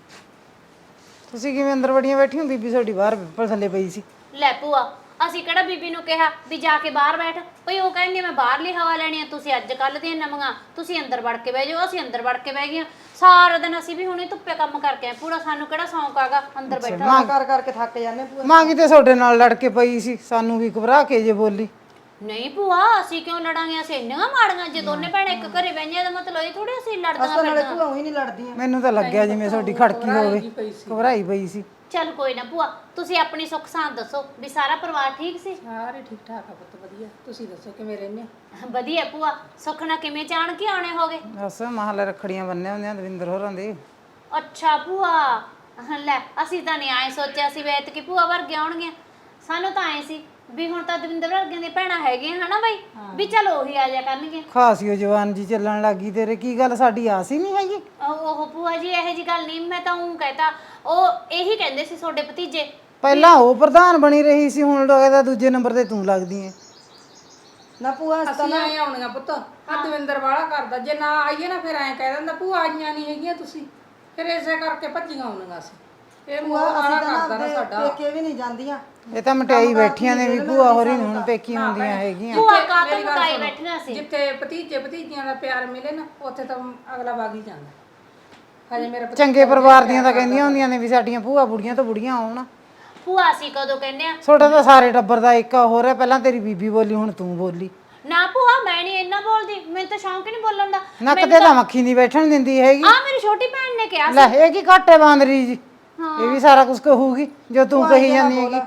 Speaker 2: ਤੁਸੀਂ ਕਿਵੇਂ ਅੰਦਰ ਵੜੀਆਂ ਬੈਠੀ ਹੋ? ਬੀਬੀ ਤੁਹਾਡੀ ਬਾਹਰ ਪਿੱਪਲ ਥੱਲੇ ਪਈ ਸੀ।
Speaker 1: ਲੈ ਭੂਆ, ਅਸੀਂ ਕਿਹੜਾ ਬੀਬੀ ਨੂੰ ਕਿਹਾ ਵੀ ਜਾ ਕੇ ਬਾਹਰ ਬੈਠ? ਭਈ ਉਹ ਕਹਿੰਦੀ ਮੈਂ ਬਾਹਰਲੀ ਹਵਾ ਲੈਣੀ ਆ, ਤੁਸੀਂ ਅੱਜ ਕੱਲ ਦੀਆਂ ਨਵੀਆਂ, ਤੁਸੀਂ ਅੰਦਰ ਵੜ ਕੇ ਬਹਿ ਜਾਓ। ਅਸੀਂ ਅੰਦਰ ਵੜ ਕੇ ਬਹਿ ਗਈਆਂ। ਸਾਰਾ ਦਿਨ ਅਸੀਂ ਵੀ ਹੁਣੇ ਧੁੱਪੇ ਕੰਮ ਕਰਕੇ ਆਏ। ਪੂਰਾ ਸਾਨੂੰ ਕਿਹੜਾ ਸ਼ੌਂਕ ਆਗਾ ਅੰਦਰ ਬੈਠਾ।
Speaker 2: ਕਰਕੇ ਥੱਕ ਜਾਂਦੇ ਪੂਰਾ। ਮਾਂ ਕਿਤੇ ਤੁਹਾਡੇ ਨਾਲ ਲੜ ਕੇ ਪਈ ਸੀ, ਸਾਨੂੰ ਵੀ ਘਬਰਾ ਕੇ ਜੇ ਬੋਲੀ।
Speaker 1: ਨਹੀਂ ਭੂਆ, ਅਸੀਂ ਕਿਉਂ ਲੜਾਂਗੇ? ਅਸੀਂ ਇੰਨੀਆਂ ਮਾੜੀਆਂ ਜੇ ਦੋਨੇ ਭੈਣਾਂ ਇੱਕ ਘਰੇ ਬਹਿੰਦੀਆਂ ਦਾ ਮਤਲਬ ਇਹ ਥੋੜੀ ਅਸੀਂ ਲੜਦੀਆਂ।
Speaker 2: ਮੈਨੂੰ ਤਾਂ ਲੱਗਿਆ ਜਿਵੇਂ ਤੁਹਾਡੀ ਖੜਕੀ ਹੋਵੇ, ਘਬਰਾਈ ਪਈ ਸੀ।
Speaker 1: ਚੱਲ ਕੋਈ ਨਾ ਭੂਆ, ਤੁਸੀਂ ਆਪਣੀ ਸੁੱਖ ਸਾਂਦ ਦੱਸੋ ਵੀ ਸਾਰਾ ਪਰਿਵਾਰ ਠੀਕ ਸੀ?
Speaker 5: ਸਾਰੇ ਠੀਕ ਠਾਕ ਆ ਪੁੱਤ, ਵਧੀਆ। ਤੁਸੀਂ ਦੱਸੋ ਕਿਵੇਂ ਰਹਿੰਦੇ ਹੋ?
Speaker 1: ਵਧੀਆ ਭੂਆ। ਸੁੱਖ ਨਾਲ ਕਿਵੇਂ ਚਾਣ ਕੇ ਆਉਣੇ ਹੋਗੇ?
Speaker 2: ਬਸ ਮਹੱਲੇ ਰੱਖੜੀਆਂ ਬੰਨੇ ਹੁੰਦੀਆਂ ਦਵਿੰਦਰ ਹੋਰਾਂ ਦੇ।
Speaker 1: ਅੱਛਾ ਭੂਆ, ਲੈ ਅਸੀਂ ਤਾਂ ਨਹੀਂ ਆਏ ਸੋਚਿਆ ਸੀ ਵੀ ਐਤਕੀ ਭੂਆ ਵਰਗੇ ਆਉਣਗੀਆਂ। ਸਾਨੂੰ ਤਾਂ ਆਏ ਸੀ ਵੀ ਹੁਣ ਤਾਂ ਦਵਿੰਦਰ ਵਰਗਿਆਂ ਦੀਆਂ ਭੈਣਾਂ ਹੈਗੀਆਂ ਹਨਾ ਬਈ, ਵੀ ਚਲ ਉਹੀ ਆ ਜਾ ਕਰਨਗੇ।
Speaker 2: ਖਾਸੀ ਉਹ ਜਵਾਨ ਜੀ ਚੱਲਣ ਲੱਗੀ ਤੇਰੇ। ਕੀ ਗੱਲ ਸਾਡੀ ਆਸ ਹੀ ਨਹੀਂ ਹੈਗੀ?
Speaker 1: ਉਹ ਭੂਆ ਜੀ ਇਹੋ ਜੀ ਗੱਲ ਨਹੀਂ, ਮੈਂ ਤਾਂ ਉਹ ਕਹਿਤਾ। ਉਹ ਇਹੀ ਕਹਿੰਦੇ ਸੀ ਤੁਹਾਡੇ ਭਤੀਜੇ।
Speaker 2: ਪਹਿਲਾਂ ਉਹ ਪ੍ਰਧਾਨ ਬਣੀ ਰਹੀ ਸੀ, ਹੁਣ ਲੱਗਦਾ ਦੂਜੇ ਨੰਬਰ ਤੇ ਤੂੰ ਲੱਗਦੀ ਐ।
Speaker 5: ਨਾ ਭੂਆ ਅਸੀਂ ਆਏ ਆਉਣੀਆਂ ਪੁੱਤ। ਆ ਦਵਿੰਦਰ ਵਾਲਾ ਕਰਦਾ, ਜੇ ਨਾ ਆਈਏ ਨਾ ਫਿਰ ਐਂ ਕਹਿ ਦਿੰਦਾ ਭੂਆ ਆਈਆਂ ਨਹੀਂ ਹੈਗੀਆਂ ਤੁਸੀਂ। ਫਿਰ ਇਸੇ ਕਰਕੇ ਭੱਜੀਆਂ ਆਉਣੀਆਂ ਸੀ। ਇਹ ਮੂੰਹ ਵਾਲਾ ਕਰਦਾ ਨਾ ਸਾਡਾ।
Speaker 4: ਪੇਕੇ ਵੀ ਨਹੀਂ ਜਾਂਦੀਆਂ।
Speaker 2: ਇਹ ਤਾਂ ਮਟਿਆਈ ਬੈਠੀਆਂ ਨੇ ਵੀ ਭੂਆ ਹੋਰੀ ਨੂੰ ਹੁਣ ਪੇਕੀ ਹੁੰਦੀਆਂ ਹੈਗੀਆਂ।
Speaker 1: ਭੂਆ ਕਾਤੋਂ ਮਕਾਈ ਬੈਠੀਆਂ ਸੀ।
Speaker 5: ਜਿੱਥੇ ਭਤੀਜੇ ਭਤੀਜੀਆਂ ਦਾ ਪਿਆਰ ਮਿਲੇ ਨਾ, ਉੱਥੇ ਤਾਂ ਅਗਲਾ ਵਗ ਹੀ ਜਾਂਦਾ। ਹਜੇ ਮੇਰਾ
Speaker 2: ਚੰਗੇ ਪਰਿਵਾਰ ਦੀਆਂ ਤਾਂ ਕਹਿੰਦੀਆਂ ਹੁੰਦੀਆਂ ਨੇ ਵੀ ਸਾਡੀਆਂ ਭੂਆ ਬੁੜੀਆਂ ਤੋਂ ਬੁੜੀਆਂ ਆਉਣ।
Speaker 1: ਭੂਆ ਅਸੀਂ ਕਦੋਂ ਕਹਿੰਦੇ ਆ?
Speaker 2: ਤੁਹਾਡਾ ਤਾਂ ਸਾਰੇ ਟੱਬਰ ਦਾ ਇੱਕ ਹੋ ਰਿਹਾ। ਪਹਿਲਾਂ ਤੇਰੀ ਬੀਬੀ ਬੋਲੀ, ਹੁਣ ਤੂੰ ਬੋਲੀ।
Speaker 1: ਨਾ ਭੂਆ, ਮੈਂ ਨਹੀਂ ਇੰਨਾ ਬੋਲਦੀ। ਮੈਨੂੰ ਤਾਂ ਸ਼ੌਂਕ ਹੀ ਨਹੀਂ ਬੋਲਣ ਦਾ।
Speaker 2: ਨੱਕ ਤੇ ਤਾਂ ਮੱਖੀ ਨਹੀਂ ਬੈਠਣ ਦਿੰਦੀ ਹੈਗੀ।
Speaker 1: ਆ ਮੇਰੀ ਛੋਟੀ ਭੈਣ ਨੇ ਕਿਹਾ
Speaker 2: ਲੈ ਇਹ ਕੀ ਘਾਟੇ ਬਾਂਦਰੀ ਜੀ। ਇਹ ਵੀ ਸਾਰਾ ਕੁਝ ਕਹੂਗੀ ਜੋ ਤੂੰ ਕਹੀ ਜਾਂਦੀ ਹੈਗੀ।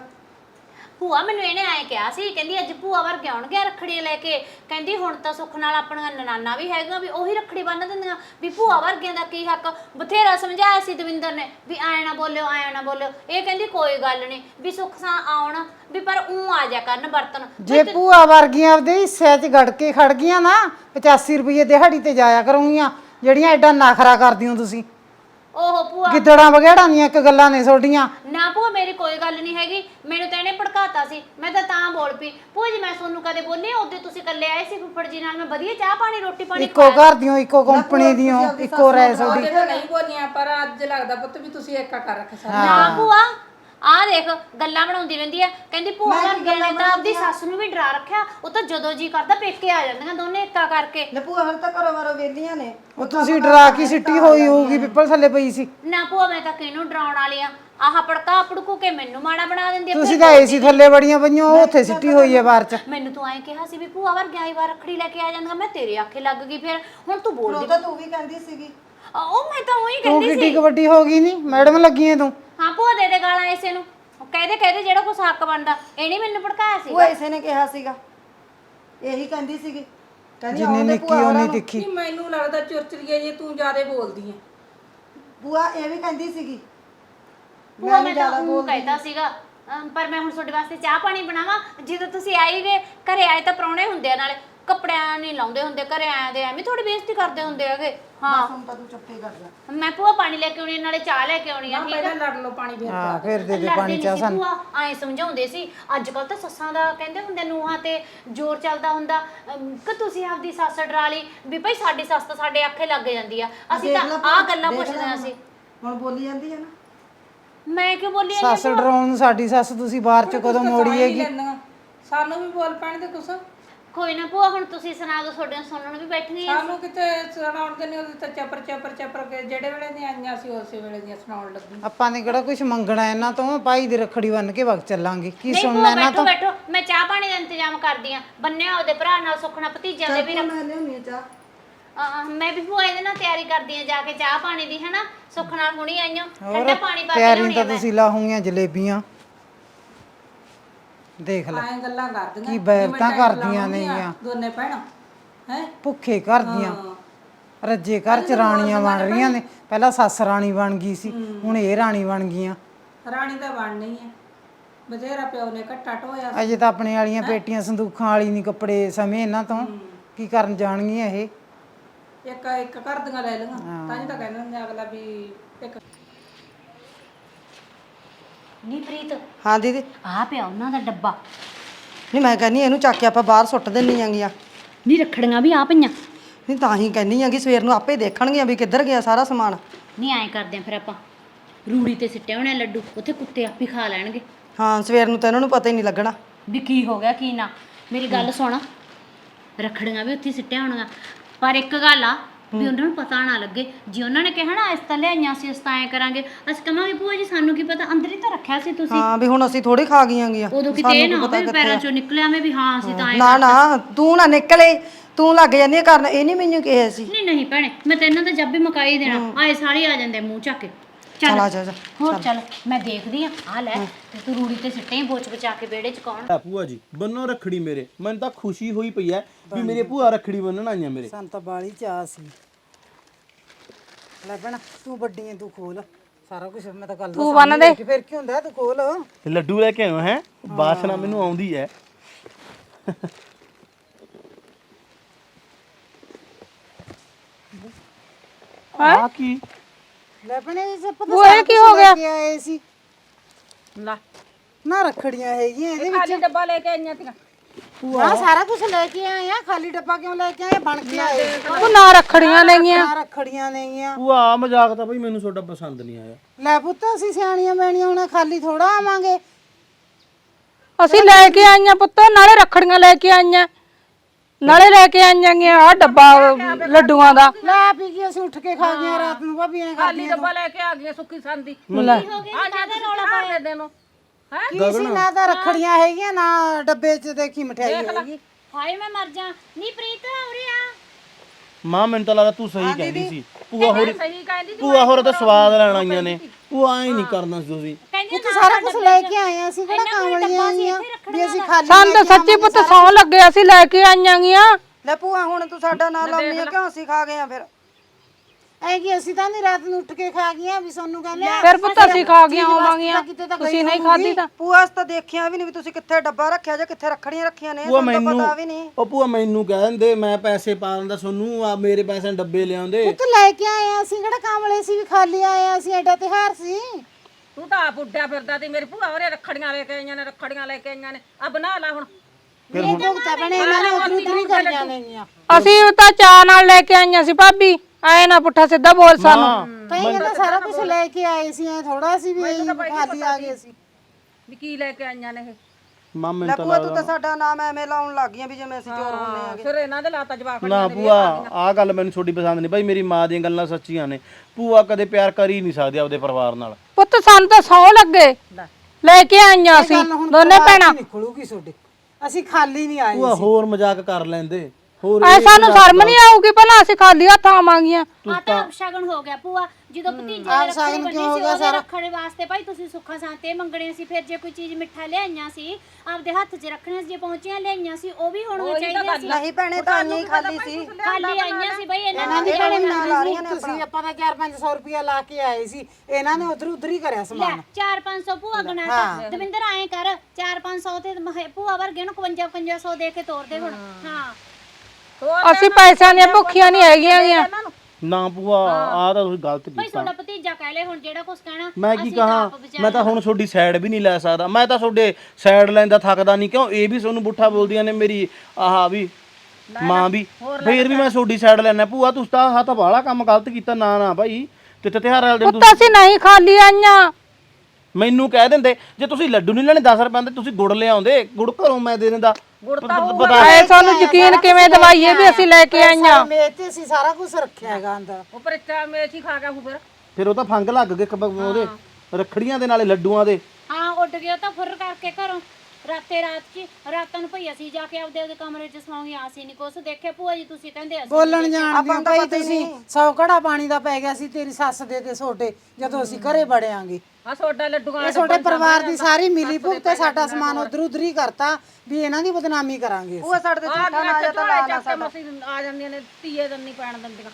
Speaker 1: ਭੂਆ ਮੈਨੂੰ ਇਹਨੇ ਆਏ ਕਿਹਾ ਸੀ, ਕਹਿੰਦੀ ਅੱਜ ਭੂਆ ਵਰਗੇ ਆਉਣਗੇ ਰੱਖੜੀ ਲੈ ਕੇ। ਕਹਿੰਦੀ ਹੁਣ ਤਾਂ ਸੁੱਖ ਨਾਲ ਆਪਣੀਆਂ ਨਨਾਨਾ ਵੀ ਹੈਗੀਆਂ, ਵੀ ਉਹੀ ਰੱਖੜੀ ਬੰਨ ਦਿੰਦੀਆਂ, ਵੀ ਭੂਆ ਵਰਗਿਆਂ ਦਾ ਕੀ ਹੱਕ। ਬਥੇਰਾ ਸਮਝਾਇਆ ਸੀ ਦਵਿੰਦਰ ਨੇ ਵੀ ਐਂ ਨਾ ਬੋਲਿਓ, ਐਂ ਨਾ ਬੋਲਿਓ। ਇਹ ਕਹਿੰਦੀ ਕੋਈ ਗੱਲ ਨਹੀਂ ਵੀ ਸੁੱਖ ਸਾਂ ਆਉਣ ਵੀ, ਪਰ ਉਹ ਆ ਜਾ ਕਰਨ ਬਰਤਨ।
Speaker 2: ਜੇ ਭੂਆ ਵਰਗੀਆਂ ਆਪਦੇ ਹਿੱਸੇ 'ਚ ਗੜ ਕੇ ਖੜ ਗਈਆਂ ਨਾ, 85 ਰੁਪਏ ਦਿਹਾੜੀ ਤੇ ਜਾਇਆ ਕਰੂੰਗੀਆਂ। ਜਿਹੜੀਆਂ ਐਡਾ ਨਾਖਰਾ ਕਰਦੀਆਂ ਤੁਸੀਂ।
Speaker 1: ਓਹ ਭੂਆ,
Speaker 2: ਗਿੱਦੜਾਂ ਵਗੈੜਾਂ ਦੀਆਂ ਇੱਕ ਗੱਲਾਂ ਨੇ ਤੁਹਾਡੀਆਂ।
Speaker 1: ਨਾ ਭੂਆ ਮੇਰੀ ਕੋਈ ਗੱਲ ਨਹੀਂ ਹੈਗੀ। ਮੈਨੂੰ ਤਾਂ ਇਹਨੇ ਭੜਕਾਤਾ ਸੀ, ਮੈਂ ਤਾਂ ਬੋਲ ਪਈ। ਭੂਆ ਜੀ ਮੈਂ ਤੁਹਾਨੂੰ ਕਦੇ ਬੋਲੀ? ਉਹਦੇ ਤੁਸੀਂ ਇਕੱਲੇ ਆਏ ਸੀ ਫੁੱਫੜ ਜੀ ਨਾਲ, ਮੈਂ ਵਧੀਆ ਚਾਹ ਪਾਣੀ ਰੋਟੀ ਪਾਣੀ
Speaker 2: ਇੱਕੋ ਘਰ ਦੀਆਂ, ਇੱਕੋ ਕੰਪਨੀ ਦੀਆਂ, ਇੱਕੋ ਰਹਿ ਤੁਹਾਡੀ।
Speaker 5: ਨਹੀਂ ਬੋਲੀਆਂ, ਪਰ ਅੱਜ ਲੱਗਦਾ ਪੁੱਤ ਵੀ ਤੁਸੀਂ ਏਕਾ ਕਰ ਰੱਖਿਆ ਸਾਰਾ।
Speaker 1: ਨਾ ਭੂਆ, ਆਹ ਦੇਖ ਗੱਲਾਂ ਬਣਾਉਂਦੀ ਰਹਿੰਦੀ ਆ, ਕਹਿੰਦੀ ਭੂਆ ਵਰਗਿਆਂ ਨੇ ਤਾਂ ਆਪਦੀ ਸੱਸ ਨੂੰ ਵੀ ਡਰਾ ਰੱਖਿਆ, ਉਹ ਤਾਂ ਜਦੋਂ ਜੀ ਕਰਦਾ ਪੇਕੇ ਆ ਜਾਂਦੀਆਂ ਦੋਨੇ ਇੱਕਾ ਕਰਕੇ।
Speaker 6: ਲੈ ਭੂਆ ਹਰ ਤਾਂ ਘਰੋਂ ਮਾਰੋ ਵੇਲੀਆਂ ਨੇ।
Speaker 2: ਉਹ ਤੁਸੀਂ ਡਰਾ ਕੇ ਸਿੱਟੀ ਹੋਈ ਹੋਊਗੀ ਪਿੱਪਲ ਥੱਲੇ ਪਈ ਸੀ।
Speaker 1: ਨਾ ਭੂਆ ਮੈਂ ਤਾਂ ਕਿਹਨੂੰ ਡਰਾਉਣ ਵਾਲੀ ਆ, ਆਹ ਪੜਕਾ ਪੜਕੂ ਕੇ ਮੈਨੂੰ ਮਾੜਾ ਬਣਾ ਦਿੰਦੀ ਆ।
Speaker 2: ਤੁਸੀਂ ਤਾਂ ਏਸੀ ਥੱਲੇ ਬੜੀਆਂ ਪਈਆਂ, ਉਹ ਉੱਥੇ ਸਿੱਟੀ ਹੋਈ ਹੈ ਬਾਹਰ ਚ।
Speaker 1: ਮੈਨੂੰ ਤੂੰ ਐਂ ਕਿਹਾ ਸੀ ਵੀ ਭੂਆ ਵਰਗਿਆਂ ਹੀ ਵਾਰ ਰੱਖੜੀ ਲੈ ਕੇ ਆ ਜਾਂਦੀਆਂ, ਮੈਂ ਤੇਰੇ ਆਖੇ ਲੱਗ ਗਈ। ਫਿਰ ਹੁਣ ਤੂੰ ਬੋਲਦੀ
Speaker 6: ਉਹ ਤਾਂ ਤੂੰ ਵੀ ਕਹਿੰਦੀ ਸੀਗੀ।
Speaker 1: ਉਹ ਮੈਂ ਤਾਂ ਉਹੀ
Speaker 2: ਤੂੰ
Speaker 1: ਕਹਿੰਦੀ
Speaker 2: ਕਿੱਡੀ
Speaker 1: ਸੀ।
Speaker 2: ਕਬੱਡੀ ਹੋ ਗਈ ਨਹੀਂ ਮੈਡਮ ਲੱਗੀ ਐ ਤੂੰ।
Speaker 1: ਹਾਂ ਭੂਆ ਦੇ ਗਾਲਾਂ ਇਸੇ ਨੂੰ, ਕਹਦੇ ਜਿਹੜਾ ਕੁਛ ਹੱਕ ਬਣਦਾ, ਇਹਨੇ ਮੈਨੂੰ ਭੜਕਾਇਆ ਸੀ।
Speaker 6: ਉਹ ਇਸੇ ਨੇ ਕਿਹਾ ਸੀਗਾ, ਇਹੀ ਕਹਿੰਦੀ ਸੀਗੀ, ਕਹਿੰਦੀ
Speaker 2: ਜਿੰਨੀ
Speaker 6: ਆਉਂਦੇ
Speaker 2: ਨਿੱਕੀ
Speaker 6: ਭੂਆ
Speaker 2: ਉਹਨੀ
Speaker 6: ਹੋਰਾਂ ਨੂੰ।
Speaker 2: ਤਿੱਖੀ।
Speaker 5: ਨਹੀਂ ਮੈਨੂੰ ਲੱਗਦਾ ਚੁਰਚਲੀਏ ਜੇ ਤੂੰ ਜ਼ਿਆਦਾ ਬੋਲਦੀ ਐ।
Speaker 6: ਭੂਆ ਇਹ ਵੀ ਕਹਿੰਦੀ ਸੀਗੀ
Speaker 1: ਭੂਆ ਮੈਂ ਤਾਂ ਉਹ ਕਹਿਤਾ ਸੀਗਾ, ਪਰ ਮੈਂ ਹੁਣ ਤੁਹਾਡੇ ਵਾਸਤੇ ਚਾਹ ਪਾਣੀ ਬਣਾਵਾਂ। ਜਦੋਂ ਤੁਸੀਂ ਆਈ ਵੇ ਘਰੇ ਆਏ ਤਾਂ ਪ੍ਰਾਹੁਣੇ ਹੁੰਦੇ ਆ, ਨਾਲੇ ਕੱਪੜਿਆਂ ਨਹੀਂ ਲਾਉਂਦੇ ਹੁੰਦੇ ਘਰੇ ਆਏ ਦੇ, ਐਵੇਂ ਥੋੜੀ ਬੇਇੱਜ਼ਤੀ ਕਰਦੇ ਹੁੰਦੇ ਹੈਗੇ। ਹਾਂ
Speaker 6: ਹੁਣ ਤਾਂ ਤੂੰ ਚੁੱਪੇ ਕਰ ਜਾ।
Speaker 1: ਮੈਂ ਭੂਆ ਪਾਣੀ ਲੈ ਕੇ ਆਉਣੀ, ਨਾਲੇ ਚਾਹ ਲੈ ਕੇ ਆਉਣੀ ਆ। ਠੀਕ
Speaker 5: ਪਹਿਲਾਂ ਲੜ ਲਓ ਪਾਣੀ ਫਿਰ
Speaker 2: ਹਾਂ ਫਿਰ ਦੇ ਦੇ
Speaker 1: ਲੜਦੇ
Speaker 2: ਪਾਣੀ
Speaker 1: ਨੀ
Speaker 2: ਚਾਹ
Speaker 1: ਸੀ
Speaker 2: ਸਾਨੂੰ।
Speaker 1: ਭੂਆ ਐਂ ਸਮਝਾਉਂਦੇ ਸੀ। ਅੱਜ ਕੱਲ ਤਾਂ ਸੱਸਾਂ ਦਾ ਕਹਿੰਦੇ ਹੁੰਦੇ ਨੂੰਹਾਂ ਤੇ ਜ਼ੋਰ ਚੱਲਦਾ ਹੁੰਦਾ, ਕਿ ਤੁਸੀਂ ਆਪਦੀ ਸੱਸ ਡਰਾ ਲਈ ਵੀ ਭਾਈ ਸਾਡੀ ਸੱਸ ਤਾਂ ਸਾਡੇ ਆਖੇ ਲੱਗ ਜਾਂਦੀ ਆ। ਅਸੀਂ ਤਾਂ ਆਹ ਗੱਲਾਂ ਪੁੱਛਦੇ ਸੀ।
Speaker 6: ਹੁਣ ਬੋਲੀ ਜਾਂਦੀ ਹੈ ਨਾ।
Speaker 1: ਮੈਂ ਕਿਉਂ ਬੋਲੀ ਆ
Speaker 2: ਸੱਸ ਡਰਾਉਣ ਨੂੰ ਸਾਡੀ ਸੱਸ ਤੁਸੀਂ ਬਾਹਰ ਚ ਕਦੋਂ ਮੋੜੀਏਗੀ?
Speaker 5: ਸਾਨੂੰ ਵੀ ਬੋਲ ਪੈਣ ਦੇ ਕੁਛ।
Speaker 1: ਕੋਈ ਨਾ ਭੂਆ ਹੁਣ ਤੁਸੀਂ ਸੁਣਾ ਦਿਓ, ਤੁਹਾਡੇ ਸੁਣਨ ਵੀ ਬੈਠਣੀ ਆ।
Speaker 5: ਸਾਨੂੰ ਕਿਤੇ ਸੁਣਾਉਣ ਦੇ ਨਹੀਂ, ਉਹਦੇ ਤਾਂ ਚੱਪਰ ਕੇ ਜਿਹੜੇ ਵੇਲੇ ਦੀਆਂ ਆਈਆਂ ਸੀ ਉਸੇ ਵੇਲੇ ਦੀਆਂ ਸੁਣਾਉਣ ਲੱਗੀ।
Speaker 2: ਆਪਾਂ ਨੇ ਕਿਹੜਾ ਕੁਝ ਮੰਗਣਾ ਇਹਨਾਂ ਤੋਂ, ਭਾਈ ਦੀ ਰੱਖੜੀ ਬੰਨ ਕੇ ਵਗ ਚੱਲਾਂਗੇ। ਕੀ
Speaker 1: ਨਹੀਂ
Speaker 2: ਸੁਣਨਾ
Speaker 1: ਭੂਆ
Speaker 2: ਇਹਨਾਂ ਤੋਂ?
Speaker 1: ਬੈਠੋ ਮੈਂ ਚਾਹ ਪਾਣੀ ਦਾ ਇੰਤਜ਼ਾਮ ਕਰਦੀ ਆ। ਬੰਨਿਆ ਉਹਦੇ ਭਰਾ ਨਾਲ ਸੁਖਣਾ ਭਤੀਜਿਆਂ ਦੇ ਵੀ
Speaker 6: ਮੈਂ ਲਿਆਉਣੀ ਆ ਚਾਹ।
Speaker 1: ਮੈਂ ਵੀ ਭੂਆ ਇਹਦੇ ਨਾਲ ਤਿਆਰੀ ਕਰਦੀ ਆ ਜਾ ਕੇ ਚਾਹ ਪਾਣੀ ਦੀ, ਹਨਾ। ਸੁੱਖ ਨਾਲ ਹੁਣੀ ਆਈਆਂ,
Speaker 2: ਹੋਰ
Speaker 1: ਠੰਡਾ ਪਾਣੀ ਪਾ ਕੇ
Speaker 2: ਤਿਆਰੀ
Speaker 1: ਲਿਆਉਣੀ
Speaker 2: ਤਾਂ
Speaker 1: ਆ ਮੈਂ।
Speaker 2: ਤੁਸੀਂ ਲਾਹੂਗੀਆਂ ਜਲੇਬੀਆਂ, ਦੇਖ ਲੈ
Speaker 5: ਐਂ ਗੱਲਾਂ ਕਰਦੀਆਂ
Speaker 2: ਕੀ ਬੈਰਤਾਂ ਕਰਦੀਆਂ ਨੇਗੀਆਂ
Speaker 5: ਦੋਨੇ ਭੈਣਾਂ ਹੈ।
Speaker 2: ਭੁੱਖੇ ਕਰਦੀਆਂ ਰੱਜੇ ਘਰ ਚ ਰਾਣੀਆਂ ਬਣ ਰਹੀਆਂ ਨੇ। ਪਹਿਲਾਂ ਸੱਸ ਰਾਣੀ ਬਣ ਗਈ ਸੀ, ਹੁਣ ਇਹ ਰਾਣੀ ਬਣ ਗਈਆਂ।
Speaker 5: ਰਾਣੀ ਤਾਂ ਬਣਨੀ ਹੈ, ਬਥੇਰਾ ਪਿਓ ਨੇ ਘੱਟਾ ਢੋਇਆ।
Speaker 2: ਅਜੇ ਤਾਂ ਆਪਣੇ ਵਾਲੀਆਂ ਪੇਟੀਆਂ ਸੰਦੂਖਾਂ ਵਾਲੀ ਨਹੀਂ ਕੱਪੜੇ ਸਮੇਂ ਇਹਨਾਂ ਤੋਂ ਕੀ ਕਰਨ ਜਾਣਗੀਆਂ ਇਹ।
Speaker 5: ਇੱਕ ਇੱਕ ਘਰ ਦੀਆਂ ਲੈ ਲਈਆਂ ਤਾਂ ਹੀ ਤਾਂ ਕਹਿੰਦੇ ਹੁੰਦੇ ਅਗਲਾ ਵੀ ਇੱਕ।
Speaker 1: ਨੀ ਪ੍ਰੀਤ
Speaker 6: ਹਾਂ ਦੀਦੀ।
Speaker 1: ਆ ਪਿਆ ਉਹਨਾਂ ਦਾ ਡੱਬਾ।
Speaker 6: ਨਹੀਂ ਮੈਂ ਕਹਿੰਦੀ ਇਹਨੂੰ ਚੱਕ ਕੇ ਆਪਾਂ ਬਾਹਰ ਸੁੱਟ ਦਿੰਨੀ ਆਂਗੀਆਂ।
Speaker 1: ਨੀ ਰੱਖੜੀਆਂ ਵੀ ਆ ਪਈਆਂ।
Speaker 6: ਨਹੀਂ ਤਾਂ ਹੀ ਕਹਿੰਦੀ ਆਂਗੀ ਸਵੇਰ ਨੂੰ ਆਪੇ ਦੇਖਣਗੀਆਂ ਵੀ ਕਿੱਧਰ ਗਿਆ ਸਾਰਾ ਸਮਾਨ।
Speaker 1: ਨਹੀਂ ਐਂ ਕਰਦੇ ਆ ਫਿਰ ਆਪਾਂ ਰੂੜੀ ਤੇ ਸਿੱਟੇ ਹੋਣੇ ਲੱਡੂ, ਉੱਥੇ ਕੁੱਤੇ ਆਪੇ ਖਾ ਲੈਣਗੇ।
Speaker 6: ਹਾਂ ਸਵੇਰ ਨੂੰ ਤਾਂ ਇਹਨਾਂ ਨੂੰ ਪਤਾ ਹੀ ਨਹੀਂ ਲੱਗਣਾ
Speaker 1: ਵੀ ਕੀ ਹੋ ਗਿਆ ਕੀ ਨਾ। ਮੇਰੀ ਗੱਲ ਸੁਣ, ਰੱਖੜੀਆਂ ਵੀ ਉੱਥੇ ਸਿੱਟਿਆ ਹੋਣੀਆਂ, ਪਰ ਇੱਕ ਗੱਲ ਆ ਵੀ ਉਹਨਾਂ ਨੂੰ ਪਤਾ ਨਾ ਲੱਗੇ। ਜੇ ਉਹਨਾਂ ਨੇ ਕਿਹਾ ਨਾ ਇਸ ਤਾਂ ਲਿਆਈਆਂ ਸੀ, ਇਸ ਤਾਂ ਐਂ ਕਰਾਂਗੇ, ਅਸੀਂ ਕਹਾਂਗੇ ਭੂਆ ਜੀ ਸਾਨੂੰ ਕੀ ਪਤਾ, ਅੰਦਰ ਹੀ ਤਾਂ ਰੱਖਿਆ ਸੀ ਤੁਸੀਂ।
Speaker 6: ਹਾਂ ਵੀ ਹੁਣ ਅਸੀਂ ਥੋੜੀ ਖਾ ਗਈਆਂਗੀਆਂ।
Speaker 1: ਉਦੋਂ ਕਿਤੇ ਇਹ ਨਾ ਹੋਵੇ ਵੀ ਪੈਰਾਂ ਚੋਂ ਨਿਕਲਿਆ ਮੈਂ ਵੀ ਹਾਂ ਅਸੀਂ ਤਾਂ ਐਂ।
Speaker 6: ਨਾ ਨਾ ਤੂੰ ਨਾ ਨਿਕਲੇ, ਤੂੰ ਲੱਗ ਜਾਂਦੀ ਆ ਕਰਨ। ਇਹ ਨਹੀਂ ਮੈਨੂੰ ਕਿਹਾ ਸੀ।
Speaker 1: ਨਹੀਂ ਭੈਣੇ, ਮੈਂ ਤਾਂ ਇਹਨਾਂ ਦਾ ਜੱਬ ਵੀ ਮਕਾਈ ਦੇਣਾ। ਆਏ ਸਾਰੇ ਆ ਜਾਂਦੇ ਮੂੰਹ ਚੱਕ ਕੇ।
Speaker 6: ਚਲ ਆ ਜਾ
Speaker 1: ਹੋਰ ਚੱਲ ਮੈਂ ਦੇਖਦੀ ਆ ਲੈ ਤੇ ਤੂੰ ਰੂੜੀ ਤੇ ਸਿੱਟੇ ਬੋਚ ਬਚਾ ਕੇ ਵਿਹੜੇ ਚ ਕੌਣ।
Speaker 3: ਭੂਆ ਜੀ ਬੰਨੋ ਰੱਖੜੀ ਮੇਰੇ, ਮੈਨੂੰ ਤਾਂ ਖੁਸ਼ੀ ਹੋਈ ਪਈ ਐ ਵੀ ਮੇਰੇ ਭੂਆ ਰੱਖੜੀ ਬੰਨਣ ਆਈਆਂ ਮੇਰੇ।
Speaker 2: ਸਾਨੂੰ ਤਾਂ ਬਾਲੀ ਚਾਹ ਸੀ। ਲੈ ਭੈਣਾ ਤੂੰ ਵੱਡੀ ਐ, ਤੂੰ ਖੋਲ ਸਾਰਾ ਕੁਝ। ਮੈਂ ਤਾਂ ਗੱਲ ਤੂੰ ਬੰਨ ਦੇ ਫਿਰ ਕੀ ਹੁੰਦਾ, ਤੂੰ ਖੋਲ।
Speaker 3: ਲੱਡੂ ਲੈ ਕੇ ਆਇਓ ਹੈ, ਬਾਸਨਾ ਮੈਨੂੰ ਆਉਂਦੀ ਐ। ਆ ਕੀ
Speaker 2: ਲੈ ਭੈਣੇ ਇਹ ਸਭ ਪਤਾ ਕੀ ਹੋ ਗਿਆ? ਆਏ ਸੀ
Speaker 4: ਲੈ
Speaker 2: ਨਾ ਰੱਖੜੀਆਂ ਹੈਗੀਆਂ ਇਹਦੇ ਵਿੱਚ।
Speaker 4: ਖਾਲੀ ਡੱਬਾ ਲੈ ਕੇ ਆਈਆਂ ਤੀਆਂ।
Speaker 2: ਨਾ ਸਾਰਾ ਕੁਝ ਲੈ ਕੇ ਆਏ ਆ, ਖਾਲੀ ਡੱਬਾ ਕਿਉਂ ਲੈ ਕੇ ਆਏ? ਬਣ ਕੇ ਆਏ
Speaker 4: ਉਹ ਨਾ ਰੱਖੜੀਆਂ ਨੇਗੀਆਂ।
Speaker 2: ਨਾ ਰੱਖੜੀਆਂ ਨੇਗੀਆਂ।
Speaker 3: ਭੂਆ ਆਹ ਮਜ਼ਾਕ ਤਾਂ ਬਈ ਮੈਨੂੰ ਤੁਹਾਡਾ ਪਸੰਦ ਨਹੀਂ ਆਇਆ।
Speaker 2: ਲੈ ਪੁੱਤ ਅਸੀਂ ਸਿਆਣੀਆਂ ਬੈਣੀਆਂ ਹੁਣ ਖਾਲੀ ਥੋੜਾ ਆਵਾਂਗੇ।
Speaker 4: ਅਸੀਂ ਲੈ ਕੇ ਆਈਆਂ ਪੁੱਤ, ਨਾਲੇ ਰੱਖੜੀਆਂ ਲੈ ਕੇ ਆਈਆਂ, ਨਾਲੇ ਲੈ ਕੇ ਆਈਆਂ ਆ ਡੱਬਾ ਲੱਡੂਆਂ ਦਾ।
Speaker 2: ਲੈ ਪੀ ਕੇ ਅਸੀਂ ਉੱਠ ਕੇ ਖਾ ਗਈਆਂ ਰਾਤ ਨੂੰ। ਭਾਬੀ ਐ
Speaker 4: ਖਾਲੀ ਡੱਬਾ ਲੈ ਕੇ ਆ ਗਈਆਂ ਸੁੱਕੀ ਸੰਦੀ।
Speaker 1: ਹੋ ਗਈ
Speaker 4: ਕਾਹਦਾ ਰੌਲਾ ਪਾਇਆ ਦੇ ਨੂੰ ਹੈ?
Speaker 2: ਕੀ ਸੀ? ਨਾ ਤਾਂ ਰੱਖੜੀਆਂ ਹੈਗੀਆਂ ਨਾ ਡੱਬੇ 'ਚ ਦੇਖੀ ਮਠਿਆਈ ਹੈਗੀ।
Speaker 1: ਹਾਏ ਮੈਂ ਮਰ ਜਾ। ਨੀ ਪ੍ਰੀਤ ਉਰੇ ਆ।
Speaker 3: ਮਾਂ ਮੈਨੂੰ ਤਾਂ ਲੱਗਦਾ ਤੂੰ ਸਹੀ ਕਹਿੰਦੀ ਸੀ। ਭੂਆ ਹੋਰ
Speaker 4: ਸਹੀ ਕਹਿੰਦੀ
Speaker 3: ਭੂਆ ਹੋਰ ਤਾਂ ਸਵਾਦ ਲੈਣ ਆਈਆਂ ਨੇ। ਭੂਆ ਐ ਨਹੀਂ ਕਰਨਾ ਸੀ ਤੁਸੀਂ।
Speaker 1: ਕਹਿੰਦੀ
Speaker 2: ਤੂੰ ਸਾਰਾ ਕੁਝ ਲੈ ਕੇ ਆਏ ਆ, ਅਸੀਂ ਕਿਹੜਾ ਕਾਂਵਲੀਆਂ ਆਈਆਂ ਵੀ ਅਸੀਂ ਖਾਲੀ।
Speaker 4: ਸਾਨੂੰ ਤਾਂ ਸੱਚੀ ਪੁੱਤ ਸੌ ਲੱਗੇ, ਅਸੀਂ ਲੈ ਕੇ ਆਈਆਂ ਗੀਆਂ।
Speaker 6: ਲੈ ਭੂਆ ਹੁਣ ਤੂੰ ਸਾਡਾ ਨਾਂ ਲਾਉਣੀ ਆ, ਕਿਉਂ ਅਸੀਂ ਖਾ ਗਏ ਆ ਫਿਰ?
Speaker 2: ਐ ਕਿ ਅਸੀਂ ਤਾਂ ਨਹੀਂ ਰਾਤ ਨੂੰ ਉੱਠ ਕੇ ਖਾ ਗਈਆਂ ਵੀ ਸਾਨੂੰ ਕਹਿੰਦੇ ਆ
Speaker 4: ਫਿਰ ਪੁੱਤ ਅਸੀਂ ਖਾ ਗਈਆਂ ਹੋਵਾਂਗੀਆਂ, ਤੁਸੀਂ ਨਹੀਂ ਖਾਧੀ ਤਾਂ।
Speaker 6: ਭੂਆ ਅਸੀਂ ਤਾਂ ਦੇਖਿਆ ਵੀ ਨਹੀਂ ਵੀ ਤੁਸੀਂ ਕਿੱਥੇ ਡੱਬਾ ਰੱਖਿਆ ਜਾਂ ਕਿੱਥੇ ਰੱਖੜੀਆਂ ਰੱਖੀਆਂ ਨੇ।
Speaker 3: ਭੂਆ
Speaker 6: ਸਾਨੂੰ ਤਾਂ
Speaker 3: ਮੈਨੂੰ
Speaker 6: ਪਤਾ ਵੀ ਨਹੀਂ।
Speaker 3: ਉਹ ਭੂਆ ਮੈਨੂੰ ਕਹਿ ਦਿੰਦੇ, ਮੈਂ ਪੈਸੇ ਪਾ ਦਿੰਦਾ ਸੋਨੂੰ, ਆ ਮੇਰੇ ਪੈਸੇ ਡੱਬੇ ਲਿਆਉਂਦੇ।
Speaker 2: ਪੁੱਤ ਲੈ ਕੇ ਆਏ ਆ, ਅਸੀਂ ਕਿਹੜਾ ਕਾਂਵਲੇ ਸੀ ਵੀ ਖਾਲੀ ਆਏ ਆ, ਅਸੀਂ ਐਡਾ ਤਿਉਹਾਰ ਸੀ।
Speaker 4: ਤੂੰ ਤਾਂ ਆਪ ਉੱਡਿਆ ਫਿਰਦਾ ਤੇ ਮੇਰੀ ਭੂਆ ਉਹਰੇ ਰੱਖੜੀਆਂ ਲੈ ਕੇ ਆਈਆਂ ਨੇ, ਰੱਖੜੀਆਂ ਲੈ ਕੇ ਆਈਆਂ ਨੇ। ਆ ਬਣਾ ਲਾ ਹੁਣ।
Speaker 2: ਇਹ ਭੁਗਤਾ ਬਣੇ ਇਹਨਾਂ ਨੇ ਉਧਰ ਉਧਰ ਹੀ ਕਰੀਆਂ ਨੇਗੀਆਂ।
Speaker 4: ਅਸੀਂ ਤਾਂ ਚਾਹ ਨਾਲ ਲੈ ਕੇ ਆਈਆਂ ਸੀ ਭਾਬੀ, ਆਏ ਨਾ ਪੁੱਠਾ ਸਿੱਧਾ ਬੋਲ ਸਾਨੂੰ।
Speaker 2: ਤਾਂ ਇਹ ਤਾਂ ਸਾਰਾ ਕੁਝ ਲੈ ਕੇ ਆਏ ਸੀ, ਐ ਥੋੜਾ ਸੀ ਵੀ ਖਾਲੀ ਆ ਗਏ ਸੀ।
Speaker 4: ਵੀ ਕੀ ਲੈ ਕੇ ਆਈਆਂ ਨੇ ਇਹ।
Speaker 3: ਮਾਂ ਮੈਨੂੰ
Speaker 6: ਲੈ
Speaker 3: ਤਾਂ
Speaker 6: ਭੂਆ ਤੂੰ ਤਾਂ ਸਾਡਾ ਨਾਮ ਐਵੇਂ ਲਾਉਣ ਲੱਗ ਗਈਆਂ ਵੀ ਜਿਵੇਂ ਅਸੀਂ ਚੋਰ ਹੁੰਨੇ ਆਗੇ।
Speaker 4: ਫਿਰ ਇਹਨਾਂ ਦੇ ਲਾਤਾ ਜਵਾਕ
Speaker 3: ਨਾ ਭੂਆ ਆਹ ਗੱਲ ਮੈਨੂੰ ਤੁਹਾਡੀ ਪਸੰਦ ਨਹੀਂ ਭਾਈ, ਮੇਰੀ ਮਾਂ ਦੀਆਂ ਗੱਲਾਂ ਸੱਚੀਆਂ ਨੇ। ਭੂਆ ਕਦੇ ਪਿਆਰ ਕਰ ਹੀ ਨਹੀਂ ਸਕਦੀ ਆਪਦੇ ਪਰਿਵਾਰ ਨਾਲ।
Speaker 7: ਪੁੱਤ ਸਾਨੂੰ ਤਾਂ ਸੌ ਲੱਗੇ ਲੈ ਕੇ ਆਈਆਂ ਸੀ ਦੋਨੇ ਭੈਣਾਂ।
Speaker 2: ਨਿਕਲੂਗੀ ਤੁਹਾਡੇ, ਅਸੀਂ ਖਾਲੀ ਨਹੀਂ ਆਏ।
Speaker 3: ਭੂਆ ਹੋਰ ਮਜ਼ਾਕ ਕਰ ਲੈਂਦੇ, ਹੋਰ
Speaker 7: ਐ ਸਾਨੂੰ ਸ਼ਰਮ ਨਹੀਂ ਆਊਗੀ ਭਲਾ ਅਸੀਂ ਖਾਲੀ ਹੱਥ ਆਵਾਂਗੀਆਂ।
Speaker 1: ਆ ਤਾਂ ਅਪਸ਼ਗਨ ਹੋ ਗਿਆ ਭੂਆ, ਜਦੋਂ ਭਤੀਜੇ ਦੇ ਰੱਖੜੀ ਬੰਨੀ ਸੀ ਉਹਦੇ ਰੱਖਣ ਵਾਸਤੇ ਭਾਈ ਤੁਸੀਂ ਸੁੱਖਾ ਸਾਂਤੇ ਮੰਗਣੇ ਸੀ। ਫਿਰ ਜੇ ਕੋਈ ਚੀਜ਼ ਮਿੱਠਾ ਲਿਆਈਆਂ ਸੀ ਆਪਦੇ ਹੱਥ 'ਚ ਰੱਖਣੀਆਂ ਸੀ, ਜੇ ਪਹੁੰਚੀਆਂ ਲਿਆਈਆਂ ਸੀ ਉਹ ਵੀ ਹੋਣੀਆਂ ਚਾਹੀਦੀਆਂ ਸੀ।
Speaker 6: ਨਹੀਂ ਭੈਣੇ ਤਾਂ ਨਹੀਂ ਖਾਲੀ ਸੀ,
Speaker 1: ਖਾਲੀ ਆਈਆਂ ਸੀ ਬਈ ਇਹਨਾਂ
Speaker 2: ਦੀ ਭੈਣੇ ਨਾਲ ਆ ਰਹੀਆਂ ਨੇ। ਤੁਸੀਂ ਆਪਾਂ ਤਾਂ 4-500 ਰੁਪਇਆ ਲਾ ਕੇ ਆਏ ਸੀ, ਇਹਨਾਂ ਨੇ ਉਧਰ ਹੀ ਕਰਿਆ ਸਮਾਨ।
Speaker 1: 4-500 ਭੂਆ ਗਣਾਤਾ ਦਵਿੰਦਰ ਐਂ ਕਰ 4-500 ਤੇ ਭੂਆ ਵਰਗੇ ਨੂੰ 5500 ਦੇ ਕੇ ਤੋਰ ਦੇ ਹੁਣ। ਹਾਂ
Speaker 7: ਅਸੀਂ ਪੈਸਿਆਂ ਦੀਆਂ ਭੁੱਖੀਆਂ ਨਹੀਂ ਹੈਗੀਆਂ ਗੀਆਂ।
Speaker 3: ਨਾ ਭੂਆ ਆਹ ਤਾਂ ਤੁਸੀਂ ਗਲਤ
Speaker 1: ਭਾਈ
Speaker 3: ਕੀਤਾ।
Speaker 1: ਤੁਹਾਡਾ ਭਤੀਜਾ ਕਹਿ ਲੈ ਹੁਣ ਜਿਹੜਾ ਕੁਝ ਕਹਿਣਾ।
Speaker 3: ਮੈਂ ਕੀ ਕਹਾਂ, ਮੈਂ ਤਾਂ ਹੁਣ ਤੁਹਾਡੀ ਸਾਈਡ ਵੀ ਨਹੀਂ ਲੈ ਸਕਦਾ। ਮੈਂ ਤਾਂ ਤੁਹਾਡੇ ਸਾਈਡ ਲੈਂਦਾ ਥੱਕਦਾ ਨਹੀਂ, ਕਿਉਂ ਇਹ ਵੀ ਤੁਹਾਨੂੰ ਪੁੱਠਾ ਬੋਲਦੀਆਂ ਨੇ, ਮੇਰੀ ਆਹ ਵੀ ਮਾਂ ਵੀ। ਫੇਰ ਵੀ ਮੈਂ ਤੁਹਾਡੀ ਸਾਈਡ ਲੈਣਾ। ਭੂਆ ਤੁਸੀਂ ਤਾਂ ਆਹ ਤਾਂ ਬਾਹਲਾ ਕੰਮ ਗਲਤ ਕੀਤਾ। ਨਾ ਨਾ ਭਾਈ, ਤੇ ਤਿਉਹਾਰ ਵਾਲੇ ਦਿਨ
Speaker 7: ਪੁੱਤ ਅਸੀਂ ਨਹੀਂ ਖਾਲੀ ਆਈਆਂ।
Speaker 3: ਮੈਨੂੰ ਕਹਿ ਦਿੰਦੇ ਜੇ ਤੁਸੀਂ ਲੱਡੂ ਨਹੀਂ ਲੈਣੇ 10 ਰੁਪਏ ਦੇ, ਤੁਸੀਂ ਗੁੜ ਲਿਆਉਂਦੇ। ਗੁੜ ਘਰੋਂ ਮੈਂ ਦੇ ਦਿੰਦਾ। ਪਤਾ
Speaker 7: ਐ ਸਾਨੂੰ ਯਕੀਨ ਕਿਵੇਂ ਦਵਾਈਏ ਵੀ ਅਸੀਂ ਲੈ ਕੇ ਆਈਆਂ।
Speaker 2: ਮੇਜ਼ ਤੇ ਅਸੀਂ ਸਾਰਾ ਕੁਝ ਰੱਖਿਆ ਹੈਗਾ ਅੰਦਰ।
Speaker 4: ਉਹ ਪਰਚਾ ਮੇਚ ਹੀ ਖਾ ਗਿਆ
Speaker 3: ਫਿਰ ਉਹ ਤਾਂ ਫੰਗ ਲੱਗ ਗਏ ਉਹਦੇ ਰੱਖੜੀਆਂ ਦੇ ਨਾਲੇ ਲੱਡੂਆਂ ਦੇ।
Speaker 1: ਹਾਂ ਉੱਡ ਗਿਆ ਤਾਂ ਫੁਰ ਕਰਕੇ ਘਰੋਂ ਰਾਤੇ ਰਾਤ ਕੀ ਰਾਤਾਂ ਨੂੰ ਭਈ ਅਸੀਂ ਜਾ ਕੇ ਆਪਦੇ ਕਮਰੇ 'ਚ ਸੌਂਗੇ। ਆਸੀ ਨਹੀਂ ਕੁਛ ਦੇਖੇ ਭੂਆ ਜੀ, ਤੁਸੀਂ ਕਹਿੰਦੇ ਅਸੀਂ
Speaker 2: ਬੋਲਣ ਜਾਣਦੇ ਹੋ ਭਾਈ ਤੁਸੀਂ। 100 ਘੜਾ ਪਾਣੀ ਦਾ ਪੈ ਗਿਆ ਸੀ ਤੇਰੀ ਸੱਸ ਦੇ ਤੇ ਛੋਟੇ, ਜਦੋਂ ਅਸੀਂ ਘਰੇ ਵੜਿਆਂਗੇ।
Speaker 4: ਆ ਸੋਡਾ ਲੱਡੂਆਂ
Speaker 2: ਇਹ ਤੁਹਾਡੇ ਪਰਿਵਾਰ ਦੀ ਸਾਰੀ ਮਿਲੀ ਭੁਗਤ ਤੇ ਸਾਡਾ ਸਮਾਨ ਉਧਰ ਉਧਰ ਹੀ ਕਰਤਾ ਵੀ ਇਹਨਾਂ ਦੀ ਬਦਨਾਮੀ ਕਰਾਂਗੇ।
Speaker 6: ਭੂਆ ਸਾਡੇ ਤੇ ਝੂਠਾ ਨਾ ਆ ਜਾ ਤਾਂ ਲਾ ਨਾ ਸਾਡਾ।
Speaker 4: ਆ ਜਾਂਦੀਆਂ ਨੇ ਧੀਏ ਦਿਨ ਨਹੀਂ ਪੈਣ ਦਿੰਦੀਆਂ।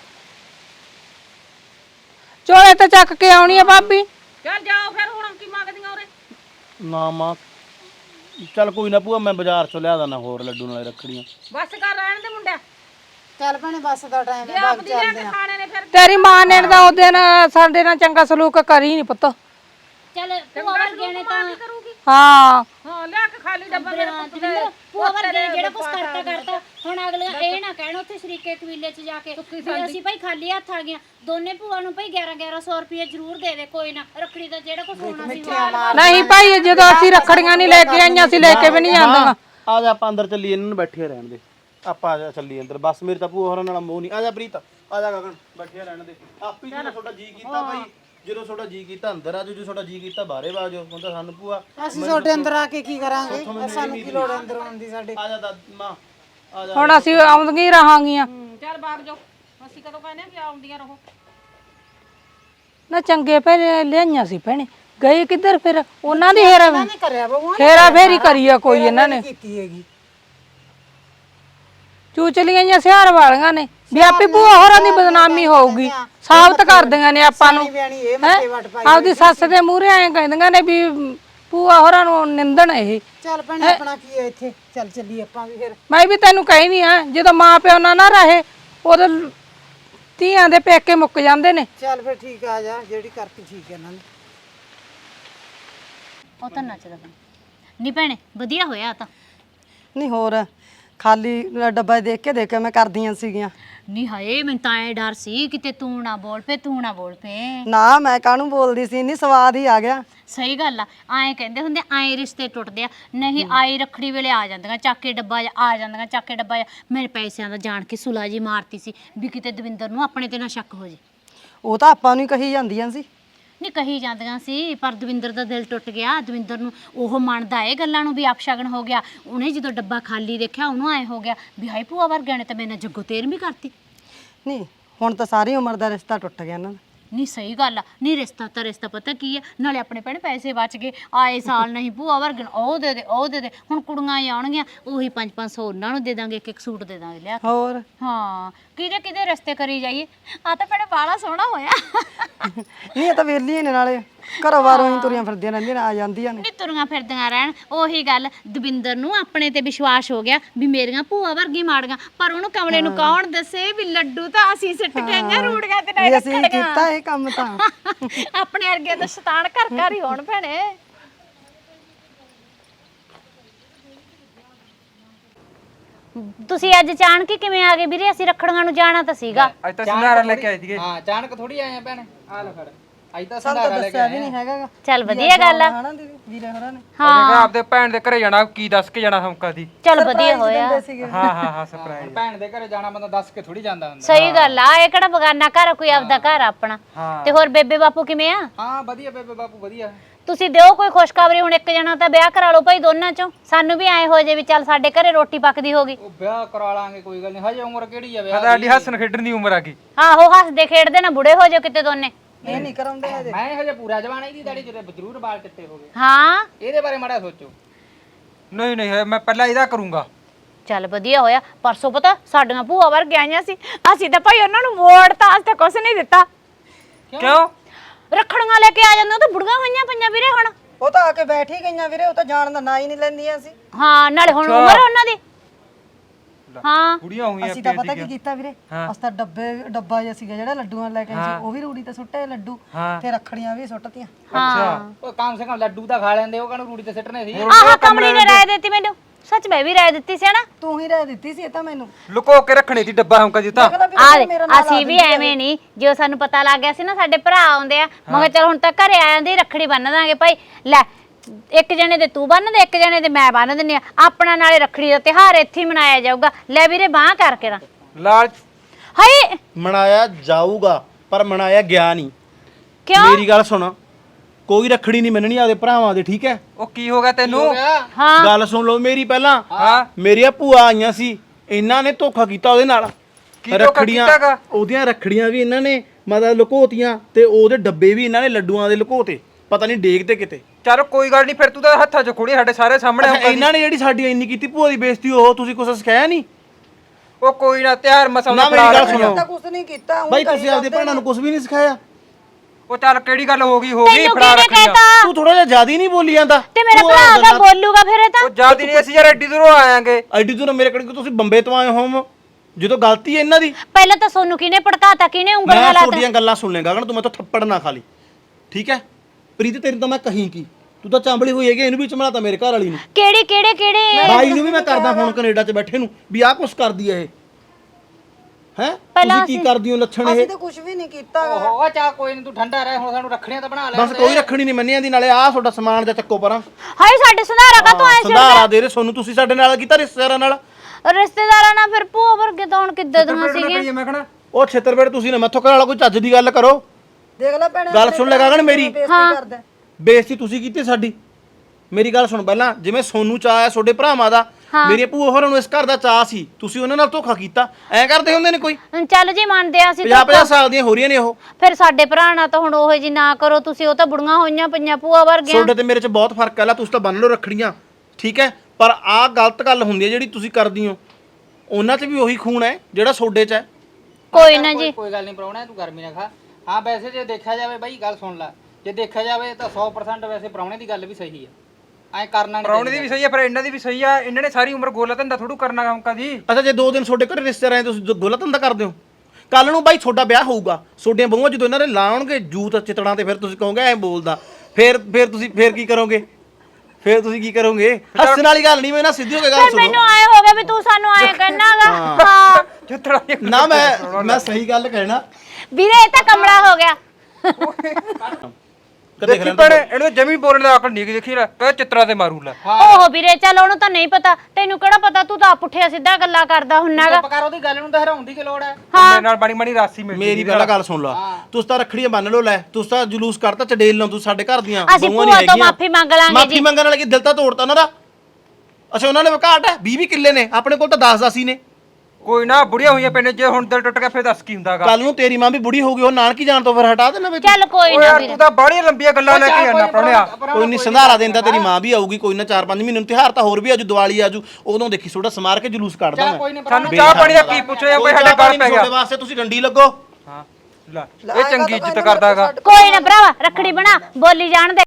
Speaker 7: ਚੋਲੇ ਤੇ ਚੱਕ ਕੇ ਆਉਣੀ ਆ ਭਾਬੀ।
Speaker 4: ਚੱਲ ਜਾਓ ਫਿਰ ਹੁਣ ਕੀ ਮੰਗਦੀਆਂ ਉਰੇ।
Speaker 3: ਨਾ ਮਾਂ ਚੱਲ ਕੋਈ ਨਾ ਭੂਆ, ਮੈਂ ਬਾਜ਼ਾਰ ਚੋਂ ਲਿਆ ਦਾਂ ਹੋਰ ਲੱਡੂ ਨਾਲੇ ਰੱਖੜੀਆਂ।
Speaker 4: ਬਸ ਕਰ ਰਹਿਣ ਦੇ ਮੁੰਡਿਆ,
Speaker 2: ਚੱਲ ਭੈਣੇ ਬੱਸ ਦਾ ਟਾਈਮ ਹੈ,
Speaker 4: ਆਪ ਦੀ ਲੈ ਕੇ ਖਾਣੇ ਨੇ ਫਿਰ।
Speaker 7: ਤੇਰੀ ਮਾਂ ਨੇ ਤਾਂ ਉਹਦੇ ਨਾਲ ਸਾਡੇ ਨਾਲ ਚੰਗਾ ਸਲੂਕ ਕਰੀ ਨਹੀਂ ਪੁੱਤ।
Speaker 1: ਚੱਲ ਭੂਆ ਵਰਗੇ ਨੇ ਤਾਂ
Speaker 7: ਹਾਂ
Speaker 4: ਹਾਂ ਲਿਆ ਕੇ ਖਾਲੀ ਡੱਬਾ ਮੇਰੇ ਪੁੱਤ ਦੇ।
Speaker 1: ਭੂਆ ਵਰਗੇ ਜਿਹੜਾ ਕੁਝ ਕਰਤਾ ਹੁਣ ਅਗਲੇ ਇਹ ਨਾ ਕਹਿਣ ਉੱਥੇ ਸ਼ਰੀਕੇ ਕਬੀਲੇ 'ਚ ਜਾ ਕੇ ਵੀ ਅਸੀਂ ਭਾਈ ਖਾਲੀ ਹੱਥ ਆ ਗਈਆਂ। ਦੋਨੇ ਭੂਆ ਨੂੰ ਭਾਈ 1100 ਰੁਪਏ ਜ਼ਰੂਰ ਦੇ ਦੇ, ਕੋਈ ਨਾ ਰੱਖੜੀ ਦਾ ਜਿਹੜਾ ਕੁਝ ਹੋਣਾ ਸੀ
Speaker 7: ਨਹੀਂ ਭਾਈ, ਜਦੋਂ ਅਸੀਂ ਰੱਖੜੀਆਂ ਨਹੀਂ ਲੈ ਕੇ ਆਈਆਂ ਅਸੀਂ ਲੈ ਕੇ ਵੀ ਨਹੀਂ ਜਾਂਦੀਆਂ।
Speaker 3: ਆ ਜਾ ਆਪਾਂ ਅੰਦਰ ਚੱਲੀਏ, ਇਹਨਾਂ ਨੂੰ ਬੈਠੇ ਰਹਿਣ ਦੇ। ਆਪਾਂ ਆ ਜਾ ਚੱਲੀਏ ਅੰਦਰ। ਬਸ ਮੇਰੇ ਤਾਂ ਭੂਆ ਹੋਰਾਂ ਨਾਲ ਮੋਹ ਨਹੀਂ। ਆ ਜਾ ਪ੍ਰੀਤ, ਆ ਜਾ ਗਗਨ, ਬੈਠੇ ਰਹਿਣ ਦੇ। ਆਪੀ ਜਦੋਂ ਤੁਹਾਡਾ ਜੀ ਕੀਤਾ ਭਾਈ, ਜਦੋਂ ਤੁਹਾਡਾ ਜੀ ਕੀਤਾ ਅੰਦਰ ਆ ਜਾਓ, ਜੇ ਤੁਹਾਡਾ ਜੀ ਕੀਤਾ ਬਾਹਰੇ ਆ ਜਾਓ। ਹੁਣ ਤਾਂ ਸਾਨੂੰ ਭੂਆ
Speaker 2: ਅਸੀਂ ਤੁਹਾਡੇ ਅੰਦਰ ਆ ਕੇ ਕੀ ਕਰਾਂਗੇ? ਸਾਨੂੰ ਕੀ ਲੋੜ ਅੰਦਰ ਆਉਣ ਦੀ ਸਾਡੇ?
Speaker 3: ਆ ਜਾ ਮਾਂ ਆ ਜਾ।
Speaker 7: ਹੁਣ ਅਸੀਂ ਆਉਂਦੀਆਂ ਹੀ ਰਹਾਂਗੀਆਂ।
Speaker 4: ਚੱਲ ਬਾਗ ਜਾਓ, ਅਸੀਂ ਕਦੋਂ ਕਹਿੰਦੇ ਕਿ ਆਉਂਦੀਆਂ ਰਹੋ।
Speaker 7: ਨਾ ਚੰਗੇ ਭੈਣੇ ਲਿਆਈਆਂ ਸੀ ਭੈਣੇ, ਗਏ ਕਿੱਧਰ ਫਿਰ? ਉਹਨਾਂ ਦੀ ਹੇਰਾ
Speaker 2: ਨਹੀਂ ਕਰਿਆ ਬਹੂ
Speaker 7: ਹੇਰਾ ਫੇਰੀ ਕਰੀ ਆ ਕੋਈ ਇਹਨਾਂ ਨੇ।
Speaker 2: ਕੀਤੀ ਹੈਗੀ।
Speaker 7: ਚੂਚਲੀਆਂ ਜਾਂ ਸਿਹਾਰ ਵਾਲੀਆਂ ਨੇ ਵੀ ਆਪੇ ਭੂਆ ਹੋਰਾਂ ਦੀ ਬਦਨਾਮੀ ਹੋਊਗੀ, ਸਾਬਤ ਕਰਦੀਆਂ ਨੇ ਆਪਾਂ ਨੂੰ।
Speaker 2: ਬਿਆਨੀ ਇਹ ਮੱਥੇ ਵਟ ਪਾਈ।
Speaker 7: ਆਪਦੀ ਸੱਸ ਦੇ ਮੂਹਰੇ ਐਂ ਕਹਿੰਦੀਆਂ ਨੇ ਵੀ ਭੂਆ ਹੋਰਾਂ ਨੂੰ ਨਿੰਦਣ ਇਹ।
Speaker 2: ਚੱਲ ਭੈਣੇ ਆਪਣਾ ਕੀ ਹੈ ਇੱਥੇ, ਚੱਲ ਚੱਲੀਏ ਆਪਾਂ ਵੀ ਫਿਰ।
Speaker 7: ਮੈਂ ਵੀ ਤੈਨੂੰ ਕਹਿਨੀ ਆ, ਜਦੋਂ ਮਾਂ ਪਿਓ ਨਾਲ ਨਾ ਰਹੇ ਉਦੋਂ ਧੀਆਂ ਦੇ ਪੇਕੇ ਮੁੱਕ ਜਾਂਦੇ ਨੇ।
Speaker 2: ਚੱਲ ਫਿਰ ਠੀਕ ਆ ਜਾ, ਜਿਹੜੀ ਕਰਤੀ ਠੀਕ ਹੈ ਇਹਨਾਂ ਨੇ।
Speaker 1: ਉਹ ਤਾਂ ਨੱਚਦਾ ਨਹੀਂ ਭੈਣੇ, ਵਧੀਆ ਹੋਇਆ ਤਾਂ।
Speaker 6: ਨਹੀਂ ਹੋਰ ਖਾਲੀ ਡੱਬਾ ਦੇਖ ਕੇ ਮੈਂ ਕਰਦੀਆਂ ਸੀਗੀਆਂ।
Speaker 1: ਨਹੀਂ ਹਾਏ ਮੈਨੂੰ ਤਾਂ ਐ ਡਰ ਸੀ ਕਿਤੇ ਤੂੰ ਨਾ ਬੋਲ ਪੇ।
Speaker 6: ਨਾ ਮੈਂ ਕਾਹਨੂੰ ਬੋਲਦੀ ਸੀ, ਨਹੀਂ ਸਵਾਦ ਹੀ ਆ ਗਿਆ।
Speaker 1: ਸਹੀ ਗੱਲ ਆ, ਐਂ ਕਹਿੰਦੇ ਹੁੰਦੇ ਐਂ ਰਿਸ਼ਤੇ ਟੁੱਟਦੇ ਆ। ਨਹੀਂ ਆਈ ਰੱਖੜੀ ਵੇਲੇ ਆ ਜਾਂਦੀਆਂ ਚੱਕ ਕੇ ਡੱਬਾ ਆ ਜਾਂਦੀਆਂ ਚੱਕ ਕੇ ਡੱਬਾ। ਮੇਰੇ ਪੈਸਿਆਂ ਦਾ ਜਾਣ ਕੇ ਸੁਲਾ ਜੀ ਮਾਰਤੀ ਸੀ ਵੀ ਕਿਤੇ ਦਵਿੰਦਰ ਨੂੰ ਆਪਣੇ ਤੇ ਨਾ ਸ਼ੱਕ ਹੋ ਜੇ।
Speaker 6: ਉਹ ਤਾਂ ਆਪਾਂ ਨੂੰ ਹੀ ਕਹੀ ਜਾਂਦੀਆਂ ਸੀ।
Speaker 1: ਨਹੀਂ ਕਹੀ ਜਾਂਦੀਆਂ ਸੀ, ਪਰ ਦਵਿੰਦਰ ਦਾ ਦਿਲ ਟੁੱਟ ਗਿਆ। ਦਵਿੰਦਰ ਨੂੰ ਉਹ ਮੰਨਦਾ ਇਹ ਗੱਲਾਂ ਨੂੰ ਵੀ ਅਪਸ਼ਗਨ ਹੋ ਗਿਆ। ਉਹਨੇ ਜਦੋਂ ਡੱਬਾ ਖਾਲੀ ਦੇਖਿਆ ਉਹਨੂੰ ਐਂ ਹੋ ਗਿਆ ਵੀ ਹਾਏ ਭੂਆ ਵਰਗਿਆਂ ਨੇ ਤਾਂ ਮੇਰੇ ਨਾਲ ਜੱਗੋ ਤੇਰ ਵੀ ਕਰਤੀ।
Speaker 6: ਨਹੀਂ ਹੁਣ ਤਾਂ ਸਾਰੀ ਉਮਰ ਦਾ ਰਿਸ਼ਤਾ ਟੁੱਟ ਗਿਆ ਇਹਨਾਂ ਦਾ।
Speaker 1: ਨਹੀਂ ਸਹੀ ਗੱਲ ਆ। ਨਹੀਂ ਰਿਸ਼ਤਾ ਪਤਾ ਕੀ ਆ, ਨਾਲੇ ਆਪਣੇ ਭੈਣੇ ਪੈਸੇ ਬਚ ਗਏ। ਆਏ ਸਾਲ ਨਹੀਂ ਭੂਆ ਵਰਗਣ ਉਹ ਦੇ ਦੇ। ਹੁਣ ਕੁੜੀਆਂ ਹੀ ਆਉਣਗੀਆਂ, ਉਹੀ 500 ਉਹਨਾਂ ਨੂੰ ਦੇ ਦਾਂਗੇ, ਇੱਕ ਸੂਟ ਦੇ ਦਾਂਗੇ ਲਿਆ ਕੇ।
Speaker 6: ਹੋਰ
Speaker 1: ਹਾਂ ਕਿਹਦੇ ਰਿਸ਼ਤੇ ਕਰੀ ਜਾਈਏ। ਆ ਤਾਂ ਭੈਣੇ ਬਾਲਾ ਸੋਹਣਾ ਹੋਇਆ।
Speaker 6: ਨਹੀਂ ਇਹ ਤਾਂ ਵੇਲੀਆਂ ਨੇ, ਨਾਲੇ ਘਰੋਂ ਬਾਹਰੋਂ ਹੀ ਤੁਰੀਆਂ ਫਿਰਦੀਆਂ ਰਹਿੰਦੀਆਂ ਨੇ, ਆ ਜਾਂਦੀਆਂ ਨੇ।
Speaker 1: ਨਹੀਂ ਤੁਰੀਆਂ ਫਿਰਦੀਆਂ ਰਹਿਣ, ਉਹੀ ਗੱਲ। ਦਵਿੰਦਰ ਨੂੰ ਆਪਣੇ ਤੇ ਵਿਸ਼ਵਾਸ ਹੋ ਗਿਆ ਵੀ ਮੇਰੀਆਂ ਭੂਆ ਵਰਗੀ ਮਾੜੀਆਂ, ਪਰ ਉਹਨੂੰ ਕਮਲੇ ਨੂੰ ਕੌਣ ਦੱਸੇ ਵੀ ਲੱਡੂ ਤਾਂ ਅਸੀਂ ਸਿੱਟ ਕੇ ਆਈਆਂ ਰੂੜੀਆਂ ਤੇ
Speaker 6: ਵੀ ਅਸੀਂ ਕੀਤਾ ਇਹ ਕੰਮ ਤਾਂ।
Speaker 1: ਆਪਣੇ ਵਰਗੇ ਤਾਂ ਸ਼ੈਤਾਨ ਘਰ ਹੀ ਹੋਣ ਭੈਣੇ। ਤੁਸੀਂ ਅੱਜ ਅਚਾਨਕ ਹੀ ਕਿਵੇਂ ਆ ਗਏ ਵੀਰੇ? ਅਸੀਂ ਰੱਖੜੀਆਂ ਨੂੰ ਜਾਣਾ ਤਾਂ ਸੀਗਾ।
Speaker 8: ਅੱਜ ਤਾਂ ਸੰਧਾਰਾ ਲੈ ਕੇ ਆਏ ਸੀਗੇ। ਹਾਂ ਅਚਾਨਕ ਥੋੜੀ ਆਏ ਆ ਭੈਣੇ। ਆ ਲੈ ਫੜ। ਅੱਜ ਤਾਂ
Speaker 6: ਸਾਨੂੰ ਤਾਂ ਦੱਸਿਆ ਵੀ ਨਹੀਂ ਹੈਗਾਗਾ
Speaker 1: ਚੱਲ ਵਧੀਆ ਗੱਲ ਆ
Speaker 6: ਹਨਾ ਦੀਦੀ ਵੀਰੇ ਹੋਰਾਂ ਨੇ
Speaker 8: ਹਾਂ ਆਪਦੇ ਭੈਣ ਦੇ ਘਰੇ ਜਾਣਾ ਕੀ ਦੱਸ ਕੇ ਜਾਣਾ ਹਮਕਾ ਦੀ
Speaker 1: ਚੱਲ ਵਧੀਆ ਹੋਇਆ
Speaker 8: ਹਾਂ ਸਰਪ੍ਰਾਈਜ਼ ਭੈਣ ਦੇ ਘਰੇ ਜਾਣਾ ਬੰਦਾ ਦੱਸ ਕੇ ਥੋੜੀ ਜਾਂਦਾ ਹੁੰਦਾ
Speaker 1: ਸਹੀ ਗੱਲ ਆ ਇਹ ਕਿਹੜਾ ਬਗਾਨਾ ਘਰ ਆ, ਕੋਈ ਆਪਦਾ ਘਰ ਆ ਆਪਣਾ। ਤੇ ਹੋਰ ਬੇਬੇ ਬਾਪੂ ਕਿਵੇਂ ਆ?
Speaker 8: ਹਾਂ ਵਧੀਆ ਬੇਬੇ ਬਾਪੂ ਵਧੀਆ
Speaker 1: ਤੁਸੀਂ ਦਿਓ ਕੋਈ ਖੁਸ਼ਖਬਰੀ, ਹੁਣ ਇੱਕ ਜਣਾ ਤਾਂ ਵਿਆਹ ਕਰਾ ਲਓ ਭਾਈ ਦੋਨਾਂ ਚੋਂ, ਸਾਨੂੰ ਵੀ ਐ ਹੋ ਜੇ ਵੀ ਚੱਲ ਸਾਡੇ ਘਰੇ ਰੋਟੀ ਪੱਕਦੀ ਹੋਗੀ।
Speaker 8: ਉਹ ਵਿਆਹ ਕਰਾ ਲਾਂਗੇ ਕੋਈ ਗੱਲ ਨਹੀਂ ਹਜੇ ਉਮਰ ਕਿਹੜੀ ਆ ਵਿਆਹ ਦੀ ਸਾਡੀ ਹੱਸਣ ਖੇਡਣ ਦੀ ਉਮਰ ਆ ਗਈ
Speaker 1: ਆਹੋ ਹੱਸਦੇ ਖੇਡਦੇ ਨਾ ਬੁੜੇ ਹੋ ਜਾਓ ਕਿਤੇ ਦੋਨੇ।
Speaker 6: ਇਹ ਨਹੀਂ ਕਰਾਉਂਦੇ ਹਜੇ
Speaker 8: ਮੈਂ ਹਜੇ ਪੂਰਾ ਜਵਾਨ ਦੀ ਦਾੜੀ ਜਿਹੜੇ ਜ਼ਰੂਰ ਬਾਲ ਚਿੱਟੇ ਹੋ ਗਏ
Speaker 1: ਹਾਂ
Speaker 8: ਇਹਦੇ ਬਾਰੇ ਮਾੜਾ ਸੋਚੋ ਨਹੀਂ ਨਹੀਂ ਮੈਂ ਪਹਿਲਾਂ ਇਹਦਾ ਕਰੂੰਗਾ
Speaker 1: ਚੱਲ ਵਧੀਆ ਹੋਇਆ। ਪਰਸੋਂ ਪਤਾ ਸਾਡੀਆਂ ਭੂਆ ਵਰਗੀਆਂ ਆਈਆਂ ਸੀ, ਅਸੀਂ ਤਾਂ ਭਾਈ ਉਹਨਾਂ ਨੂੰ ਵੋਟ ਤਾਂ ਅੱਜ ਤੱਕ ਕੁਛ ਨਹੀਂ ਦਿੱਤਾ।
Speaker 8: ਕਿਉਂ
Speaker 1: ਰੱਖੜੀਆਂ ਲੈ ਕੇ ਆ ਜਾਂਦੇ, ਉਹ ਤਾਂ ਬੁੜੀਆਂ ਹੋਈਆਂ ਪਈਆਂ ਵੀਰੇ ਹੁਣ।
Speaker 6: ਉਹ ਤਾਂ ਆ ਕੇ ਬੈਠ ਹੀ ਗਈਆਂ ਵੀਰੇ, ਉਹ ਤਾਂ ਜਾਣ ਦਾ ਨਾਂ ਹੀ ਨਹੀਂ ਲੈਂਦੀਆਂ ਸੀ।
Speaker 1: ਹਾਂ ਨਾਲੇ ਹੁਣ ਉਮਰ ਉਹਨਾਂ ਦੀ। ਹਾਂ
Speaker 8: ਕੁੜੀਆਂ ਹੋਈਆਂ
Speaker 6: ਅਸੀਂ ਤਾਂ ਪਤਾ ਕੀ ਕੀਤਾ ਵੀਰੇ, ਅਸੀਂ ਤਾਂ ਡੱਬਾ ਜਿਹਾ ਸੀਗਾ ਜਿਹੜਾ ਲੱਡੂਆਂ ਲੈ ਕੇ ਆਏ ਸੀ, ਉਹ ਵੀ ਰੂੜੀ ਤੇ ਸੁੱਟੇ ਲੱਡੂ, ਤੇ ਰੱਖੜੀਆਂ ਵੀ ਸੁੱਟਤੀਆਂ।
Speaker 1: ਹਾਂ
Speaker 8: ਉਹ ਕਮ ਸੇ ਕਮ ਲੱਡੂ ਤਾਂ ਖਾ ਲੈਂਦੇ ਉਹ ਕਾਹਨੂੰ ਰੂੜੀ ਤੇ ਸਿੱਟਣੇ ਸੀ
Speaker 1: ਆਹ ਕਮਲੀ ਨੇ ਰਾਏ ਦਿੱਤੀ ਮੈਨੂੰ, ਸੱਚ ਮੈਂ ਵੀ ਰਾਏ ਦਿੱਤੀ ਸੀ ਨਾ।
Speaker 6: ਤੂੰ ਹੀ ਰਹਿ ਦਿੱਤੀ ਸੀ ਇਹ ਤਾਂ ਮੈਨੂੰ।
Speaker 8: ਲੁਕੋ ਕੇ ਰੱਖਣੀ ਸੀ ਡੱਬਾ ਹਮਕਾ ਦਿੱਤਾ
Speaker 1: ਆ ਦੇ ਅਸੀਂ ਵੀ ਐਵੇਂ ਨਹੀਂ, ਜੋ ਸਾਨੂੰ ਪਤਾ ਲੱਗ ਗਿਆ ਸੀ ਨਾ ਸਾਡੇ ਭਰਾ ਆਉਂਦੇ ਆ, ਮੈਂ ਕਿਹਾ ਚਲ ਹੁਣ ਤਾਂ ਘਰੇ ਆ ਜਾਂਦੇ ਰੱਖੜੀ ਬੰਨ ਦਾਂਗੇ ਭਾਈ। ਲੈ ਇੱਕ ਜਣੇ ਦੇ ਤੂੰ ਬੰਨ ਦੇ, ਇੱਕ ਜਣੇ ਦੇ ਮੈਂ ਬੰਨ ਦਿੰਨੀ ਆ, ਆਪਣਾ ਨਾਲੇ ਰੱਖੜੀ ਦਾ ਤਿਉਹਾਰ ਇੱਥੇ ਹੀ ਮਨਾਇਆ ਜਾਊਗਾ। ਲੈ ਵੀਰੇ ਬਾਂਹ ਕਰਕੇ ਨਾ
Speaker 8: ਲਾਲ
Speaker 1: ਹਾਏ
Speaker 3: ਮਨਾਇਆ ਜਾਊਗਾ ਪਰ ਮਨਾਇਆ ਗਿਆ ਨਹੀਂ।
Speaker 1: ਕਿਉਂ?
Speaker 3: ਮੇਰੀ ਗੱਲ ਸੁਣ, ਕੋਈ ਰੱਖੜੀ ਨਹੀਂ ਮੰਨਣੀ ਆਪਦੇ ਭਰਾਵਾਂ ਦੇ, ਠੀਕ ਹੈ?
Speaker 8: ਉਹ ਕੀ ਹੋ ਗਿਆ ਤੈਨੂੰ
Speaker 1: ਹਾਂ
Speaker 3: ਗੱਲ ਸੁਣ ਲਓ ਮੇਰੀ ਪਹਿਲਾਂ।
Speaker 8: ਹਾਂ
Speaker 3: ਮੇਰੀਆਂ ਭੂਆ ਆਈਆਂ ਸੀ, ਇਹਨਾਂ ਨੇ ਧੋਖਾ ਕੀਤਾ ਉਹਦੇ ਨਾਲ। ਰੱਖੜੀਆਂ ਉਹਦੀਆਂ ਰੱਖੜੀਆਂ ਵੀ ਇਹਨਾਂ ਨੇ ਮਤਲਬ ਲੁਕੋਤੀਆਂ, ਤੇ ਉਹਦੇ ਡੱਬੇ ਵੀ ਇਹਨਾਂ ਨੇ ਲੱਡੂਆਂ ਦੇ ਲੁਕੋਤੇ, ਪਤਾ ਨਹੀਂ ਡੇਗ ਤੇ ਕਿਤੇ।
Speaker 8: ਚਲ ਕੋਈ ਗੱਲ ਨਹੀਂ ਫਿਰ ਤੂੰ ਤਾਂ ਹੱਥਾਂ 'ਚ ਖੋੜੀ ਸਾਡੇ ਸਾਰੇ ਸਾਹਮਣੇ
Speaker 3: ਇਹਨਾਂ ਨੇ ਜਿਹੜੀ ਸਾਡੀ ਇੰਨੀ ਕੀਤੀ ਭੂਆ ਦੀ ਬੇਇੱਜ਼ਤੀ, ਉਹ ਤੁਸੀਂ ਕੁਛ ਸਿਖਾਇਆ ਨਹੀਂ?
Speaker 8: ਉਹ ਕੋਈ ਨਾ ਤਿਆਰ ਮਸਾ
Speaker 3: ਨਾ ਮੇਰੀ ਗੱਲ ਸੁਣੋ
Speaker 6: ਤਾਂ ਕੁਝ ਨਹੀਂ ਕੀਤਾ
Speaker 3: ਬਾਈ, ਤੁਸੀਂ ਆਪਦੇ ਭੈਣਾਂ ਨੂੰ ਕੁਝ ਵੀ ਨਹੀਂ ਸਿਖਾਇਆ।
Speaker 8: ਉਹ ਚੱਲ ਕਿਹੜੀ ਗੱਲ ਹੋ ਗਈ
Speaker 1: ਤੈਨੂੰ
Speaker 8: ਫੜਾ
Speaker 1: ਕਿਹਨੇ
Speaker 8: ਰੱਖੀਆਂ
Speaker 1: ਕਹਿਤਾ?
Speaker 3: ਤੂੰ ਥੋੜਾ ਜਿਹਾ ਜ਼ਿਆਦਾ ਹੀ ਨਹੀਂ ਬੋਲੀ ਜਾਂਦਾ
Speaker 1: ਤੇ ਮੇਰਾ ਭਰਾ ਦਾ ਬੋਲੂਗਾ ਫਿਰ ਇਹ ਤਾਂ।
Speaker 8: ਉਹ ਜਿਆਦਾ ਨਹੀਂ ਅਸੀਂ ਯਾਰ ਐਡੀ ਦੂਰੋਂ ਆਇਆਂਗੇ।
Speaker 3: ਐਡੀ ਦੂਰ ਮੇਰੇ ਕੋਲ ਤੁਸੀਂ ਬੰਬੇ ਤੋਂ ਆਏ ਹੋ, ਜਦੋਂ ਗਲਤੀ ਹੈ ਇਹਨਾਂ ਦੀ।
Speaker 1: ਪਹਿਲਾਂ ਤਾਂ ਸੋਨੂੰ ਕਿਹਨੇ ਭੜਕਾਤਾ, ਕਿਹਨੇ ਉਂਗਲਾਂ
Speaker 3: ਮੈਂ
Speaker 1: ਲਾਤਾ?
Speaker 3: ਤੁਹਾਡੀਆਂ ਗੱਲਾਂ ਸੁਣ ਲੇਗਾ ਗਗਨ, ਤੂੰ ਮੈਥੋਂ ਥੱਪੜ ਨਾ ਖਾ ਲਈ, ਠੀਕ ਹੈ? ਪ੍ਰੀਤ ਤੇਰੀ ਤਾਂ ਮੈਂ ਕਹੀਂ ਕੀ, ਤੂੰ ਤਾਂ ਚਾਂਬਲੀ ਹੋਈ ਹੈਗੀ, ਇਹਨੂੰ ਵੀ ਚਮਲਾਤਾ ਮੇਰੇ ਘਰ ਵਾਲੀ ਨੂੰ।
Speaker 1: ਕਿਹੜੇ
Speaker 3: ਬਾਈ ਨੂੰ ਵੀ ਮੈਂ ਕਰਦਾ ਫੋਨ ਕੈਨੇਡਾ 'ਚ ਬੈਠੇ ਨੂੰ ਵੀ ਆਹ ਕੁਛ ਕਰਦੀ ਹੈ ਇਹ। ਹੈ ਤੁਸੀਂ ਕੀ ਕਰਦੀ ਹੋ ਲੱਛਣ ਇਹ?
Speaker 6: ਅਸੀਂ ਤਾਂ ਕੁਝ ਵੀ ਨਹੀਂ ਕੀਤਾ।
Speaker 8: ਓਹ ਚਾ ਕੋਈ ਨਹੀਂ ਤੂੰ ਠੰਡਾ ਰਹਿ, ਹੁਣ ਸਾਨੂੰ ਰੱਖੜੀਆਂ ਤਾਂ ਬਣਾ ਲੈ।
Speaker 3: ਬਸ ਕੋਈ ਰੱਖਣੀ ਨਹੀਂ ਮੰਨੀ ਜਾਂਦੀ, ਨਾਲੇ ਆਹ ਤੁਹਾਡਾ ਸਮਾਨ ਜਾਂ ਚੱਕੋ ਪਰਾਂ।
Speaker 1: ਹਾਏ ਸਾਡੇ ਸੁਧਾਰਾ ਕਾ ਤੋਂ ਆਏ ਸੀ
Speaker 3: ਸੰਧਾਰਾ ਦੇ ਰਹੇ ਸੋਨੂੰ, ਤੁਸੀਂ ਸਾਡੇ ਨਾਲ ਕੀਤਾ ਰਿਸ਼ਤੇਦਾਰਾਂ ਨਾਲ।
Speaker 1: ਰਿਸ਼ਤੇਦਾਰਾਂ ਨਾਲ ਫਿਰ ਭੂਆ ਵਰਗੇ ਤਾਂ ਹੁਣ ਕਿੱਦਾਂ ਦੀਆਂ ਸੀਗੀਆਂ।
Speaker 8: ਮੈਂ ਕਹਣਾ
Speaker 3: ਉਹ ਛੇਤਰਪੇਟ ਤੁਸੀਂ ਨਾ ਮੈਥੋਂ ਕਰਾ ਲਓ, ਕੋਈ ਚੱਜ ਦੀ ਗੱਲ ਕਰੋ।
Speaker 6: ਦੇਖ ਲੈ ਭੈਣੇ,
Speaker 3: ਗੱਲ ਸੁਣ ਲੈ ਗਗਨ ਮੇਰੀ,
Speaker 6: ਕਰਦਾ
Speaker 3: ਬੇਇੱਜ਼ਤੀ ਤੁਸੀਂ ਕੀਤੀ ਸਾਡੀ। ਮੇਰੀ ਗੱਲ ਸੁਣ ਪਹਿਲਾਂ, ਜਿਵੇਂ ਸੋਨੂੰ ਚਾਹ ਹੈ ਤੁਹਾਡੇ ਭਰਾਵਾਂ ਦਾ, ਮੇਰੇ ਭੂਆ ਹੋਰਾਂ ਨੂੰ ਇਸ ਘਰ ਦਾ ਚਾਹ ਸੀ, ਤੁਸੀਂ ਉਹਨਾਂ ਨਾਲ ਧੋਖਾ ਕੀਤਾ। ਐਂ ਕਰਦੇ ਹੁੰਦੇ ਨੇ ਕੋਈ?
Speaker 1: ਚੱਲ ਜੀ ਮੰਨਦੇ ਆ ਅਸੀਂ
Speaker 3: 50-50 ਸਾਲ ਦੀਆਂ ਹੋ ਰਹੀਆਂ ਨੇ ਉਹ।
Speaker 1: ਫਿਰ ਸਾਡੇ ਭਰਾ ਨਾਲ ਤਾਂ ਹੁਣ ਉਹੋ ਜੀ ਨਾ ਕਰੋ ਤੁਸੀਂ, ਉਹ ਤਾਂ ਬੁੜੀਆਂ ਹੋਈਆਂ ਪਈਆਂ ਭੂਆ ਵਰਗੀਆਂ।
Speaker 3: ਤੁਹਾਡੇ ਤੇ ਮੇਰੇ 'ਚ ਬਹੁਤ ਫਰਕ ਹੈ। ਲਾ ਤੁਸੀਂ ਤਾਂ ਬੰਨ ਲਓ ਰੱਖੜੀਆਂ, ਠੀਕ ਹੈ, ਪਰ ਆਹ ਗਲਤ ਗੱਲ ਹੁੰਦੀ ਹੈ ਜਿਹੜੀ ਤੁਸੀਂ ਕਰਦੀ ਹੋ। ਉਹਨਾਂ 'ਚ ਵੀ ਉਹੀ ਖੂਨ ਹੈ ਜਿਹੜਾ ਤੁਹਾਡੇ 'ਚ ਹੈ।
Speaker 1: ਕੋਈ ਨਾ ਜੀ,
Speaker 8: ਕੋਈ ਗੱਲ ਨਹੀਂ ਪ੍ਰਾਹੁਣਾ, ਤੂੰ ਗਰਮੀ ਨਾ ਖਾ। ਹਾਂ ਵੈਸੇ ਜੇ ਦੇਖਿਆ ਜਾਵੇ ਬਾਈ, ਗੱਲ ਸੁਣ ਲੈ, ਜੇ ਦੇਖਿਆ ਜਾਵੇ ਤਾਂ 100% ਵੈਸੇ ਪ੍ਰਾਹੁਣੇ ਦੀ ਗੱਲ ਵੀ ਸਹੀ ਆ। ਐ ਕਰਨਾ ਨਹੀਂ, ਪ੍ਰਾਹੁਣੇ ਦੀ ਵੀ ਸਹੀ ਆ, ਪਰ ਇਹਨਾਂ ਦੀ ਵੀ ਸਹੀ ਆ। ਇਹਨਾਂ ਨੇ ਸਾਰੀ ਉਮਰ ਗੋਲਾ ਧੰਦਾ ਥੋੜੂ ਕਰਨਾ ਕੰਮ ਕਦੀ।
Speaker 3: ਅੱਛਾ, ਜੇ 2 ਦਿਨ ਤੁਹਾਡੇ ਘਰੇ ਰਿਸ਼ਤੇਦਾਰ ਆਏ, ਤੁਸੀਂ ਗੋਲਾ ਧੰਦਾ ਕਰਦੇ ਹੋ। ਕੱਲ ਨੂੰ ਬਾਈ ਤੁਹਾਡਾ ਵਿਆਹ ਹੋਊਗਾ, ਤੁਹਾਡੀਆਂ ਬਹੂਆਂ ਜਦੋਂ ਇਹਨਾਂ ਦੇ ਲਾਉਣਗੇ ਜੂਤ ਚਿਤੜਾਂ ਤੇ, ਫਿਰ ਤੁਸੀਂ ਕਹੋਗੇ ਐ ਬੋਲਦਾ। ਫਿਰ ਤੁਸੀਂ ਕੀ ਕਰੋਗੇ? ਫਿਰ ਤੁਸੀਂ ਕੀ ਕਰੋਗੇ? ਹੱਸਣ ਵਾਲੀ ਗੱਲ ਨਹੀਂ, ਮੈਂ ਨਾ ਸਿੱਧੀ ਹੋ ਕੇ ਗੱਲ ਸੁਣੋ।
Speaker 1: ਮੈਨੂੰ ਆਏ ਹੋ ਗਿਆ ਵੀ ਤੂੰ ਸਾਨੂੰ ਆਏ ਕਹਿਣਾਗਾ। ਹਾਂ
Speaker 3: ਨਾ ਮੈਂ ਸਹੀ ਗੱਲ ਕਹਿਣਾ
Speaker 1: ਵੀਰੇ, ਇਹ ਤਾਂ ਕਮਲਾ ਹੋ ਗਿਆ।
Speaker 3: ਕਦੇ
Speaker 8: ਦੇਖੀ ਪਰ ਇਹਨੂੰ ਜਮੀ ਬੋਲਣ ਦਾ ਅਕਲ ਨਹੀਂ ਦੇਖੀ ਲੈ, ਕਹ ਚਿੱਤਰਾ ਤੇ ਮਾਰੂ ਲੈ।
Speaker 1: ਓਹੋ ਵੀਰੇ, ਚੱਲ ਉਹਨੂੰ ਤਾਂ ਨਹੀਂ ਪਤਾ, ਤੈਨੂੰ ਕਿਹੜਾ ਪਤਾ, ਤੂੰ ਤਾਂ ਪੁੱਠਿਆ ਸਿੱਧਾ ਗੱਲਾਂ ਕਰਦਾ ਹੁੰਨਾਗਾ।
Speaker 8: ਚੁੱਪ ਕਰ, ਉਹਦੀ ਗੱਲ ਨੂੰ ਤਾਂ ਹਰਾਉਣ ਦੀ ਕੀ ਲੋੜ ਹੈ?
Speaker 1: ਹਾਂ।
Speaker 8: ਮੇਰੇ ਨਾਲ ਬਣੀ ਬਣੀ ਰਾਸੀ ਮਿਲ
Speaker 3: ਮੇਰੀ ਪਹਿਲਾਂ ਗੱਲ ਸੁਣ ਲਾ, ਤੁਸੀਂ ਤਾਂ ਰੱਖੜੀਆਂ ਬੰਨ ਲਓ। ਲੈ ਤੁਸੀਂ ਤਾਂ ਜਲੂਸ ਕਰਤਾ, ਚੜੇਲ ਲਾਉਂ ਤੂੰ ਸਾਡੇ ਘਰ ਦੀਆਂ
Speaker 1: ਅਸੀਂ
Speaker 3: ਬਹੂਆਂ
Speaker 1: ਭੂਆ
Speaker 3: ਨਹੀਂ
Speaker 1: ਤੋਂ
Speaker 3: ਹੈਗੀਆਂ।
Speaker 1: ਮਾਫੀ ਮੰਗ ਲਾਂਗੇ
Speaker 3: ਮਾਫੀ
Speaker 1: ਜੀ।
Speaker 3: ਮੰਗਣ ਵਾਲੇ ਕੀ ਦਿਲ ਤਾਂ ਤੋੜਤਾ ਉਹਨਾਂ ਦਾ। ਅੱਛਾ, ਉਹਨਾਂ ਨੇ ਘਾਟ ਹੈ 20 ਕਿੱਲੇ ਨੇ, ਆਪਣੇ ਕੋਲ ਤਾਂ 10 ਹੀ ਨੇ।
Speaker 8: ਕੋਈ ਨਾ, ਬੁੜੀਆਂ ਹੋਈਆਂ ਪੈਣੇ, ਜੇ ਹੁਣ ਦਿਲ ਟੁੱਟ ਗਿਆ ਫਿਰ ਦੱਸ ਕੀ ਹੁੰਦਾਗਾ।
Speaker 3: ਕੱਲ ਨੂੰ ਤੇਰੀ ਮਾਂ ਵੀ ਬੁੜੀ ਹੋ ਗਈ, ਉਹ ਨਾਨਕੀ ਜਾਣ ਤੋਂ ਫਿਰ ਹਟਾ ਦੇਣਾ ਵੇ।
Speaker 1: ਚੱਲ ਕੋਈ ਨਾ
Speaker 8: ਯਾਰ
Speaker 1: ਵੀਰੇ,
Speaker 8: ਤੂੰ ਤਾਂ ਬਾਹਲੀਆਂ ਲੰਬੀਆਂ ਗੱਲਾਂ ਲੈ ਕੇ ਆਣਾ ਪ੍ਰਾਹੁਣਿਆ।
Speaker 3: ਕੋਈ ਨਹੀਂ, ਸੰਧਾਰਾ ਦੇਣ ਤਾਂ ਤੇਰੀ ਮਾਂ ਵੀ ਆਊਗੀ, ਕੋਈ ਨਾ 4-5 ਮਹੀਨੇ ਨੂੰ। ਤਿਉਹਾਰ ਤਾਂ ਹੋਰ ਵੀ ਆਜੂ, ਦੀਵਾਲੀ ਆਜੂ, ਉਦੋਂ ਦੇਖੀ ਛੋਟਾ ਸਮਾਰ ਕੇ ਜਲੂਸ ਕੱਢਦਾ ਮੈਂ।
Speaker 8: ਸਾਨੂੰ ਚਾਹ ਪਾਣੀ ਦਾ ਕੀ ਪੁੱਛਿਆ, ਕੋਈ ਸਾਡੇ ਗੱਲ ਪੈ ਗਿਆ।
Speaker 3: ਤੁਹਾਡੇ ਵਾਸਤੇ ਤੁਸੀਂ ਡੰਡੀ ਲੱਗੋ।
Speaker 8: ਹਾਂ ਲੈ, ਇਹ ਚੰਗੀ ਇੱਜ਼ਤ ਕਰਦਾਗਾ।
Speaker 1: ਕੋਈ ਨਾ ਭਰਾਵਾ, ਰੱਖੜੀ ਬਣਾ, ਬੋਲੀ ਜਾਣ ਦੇ।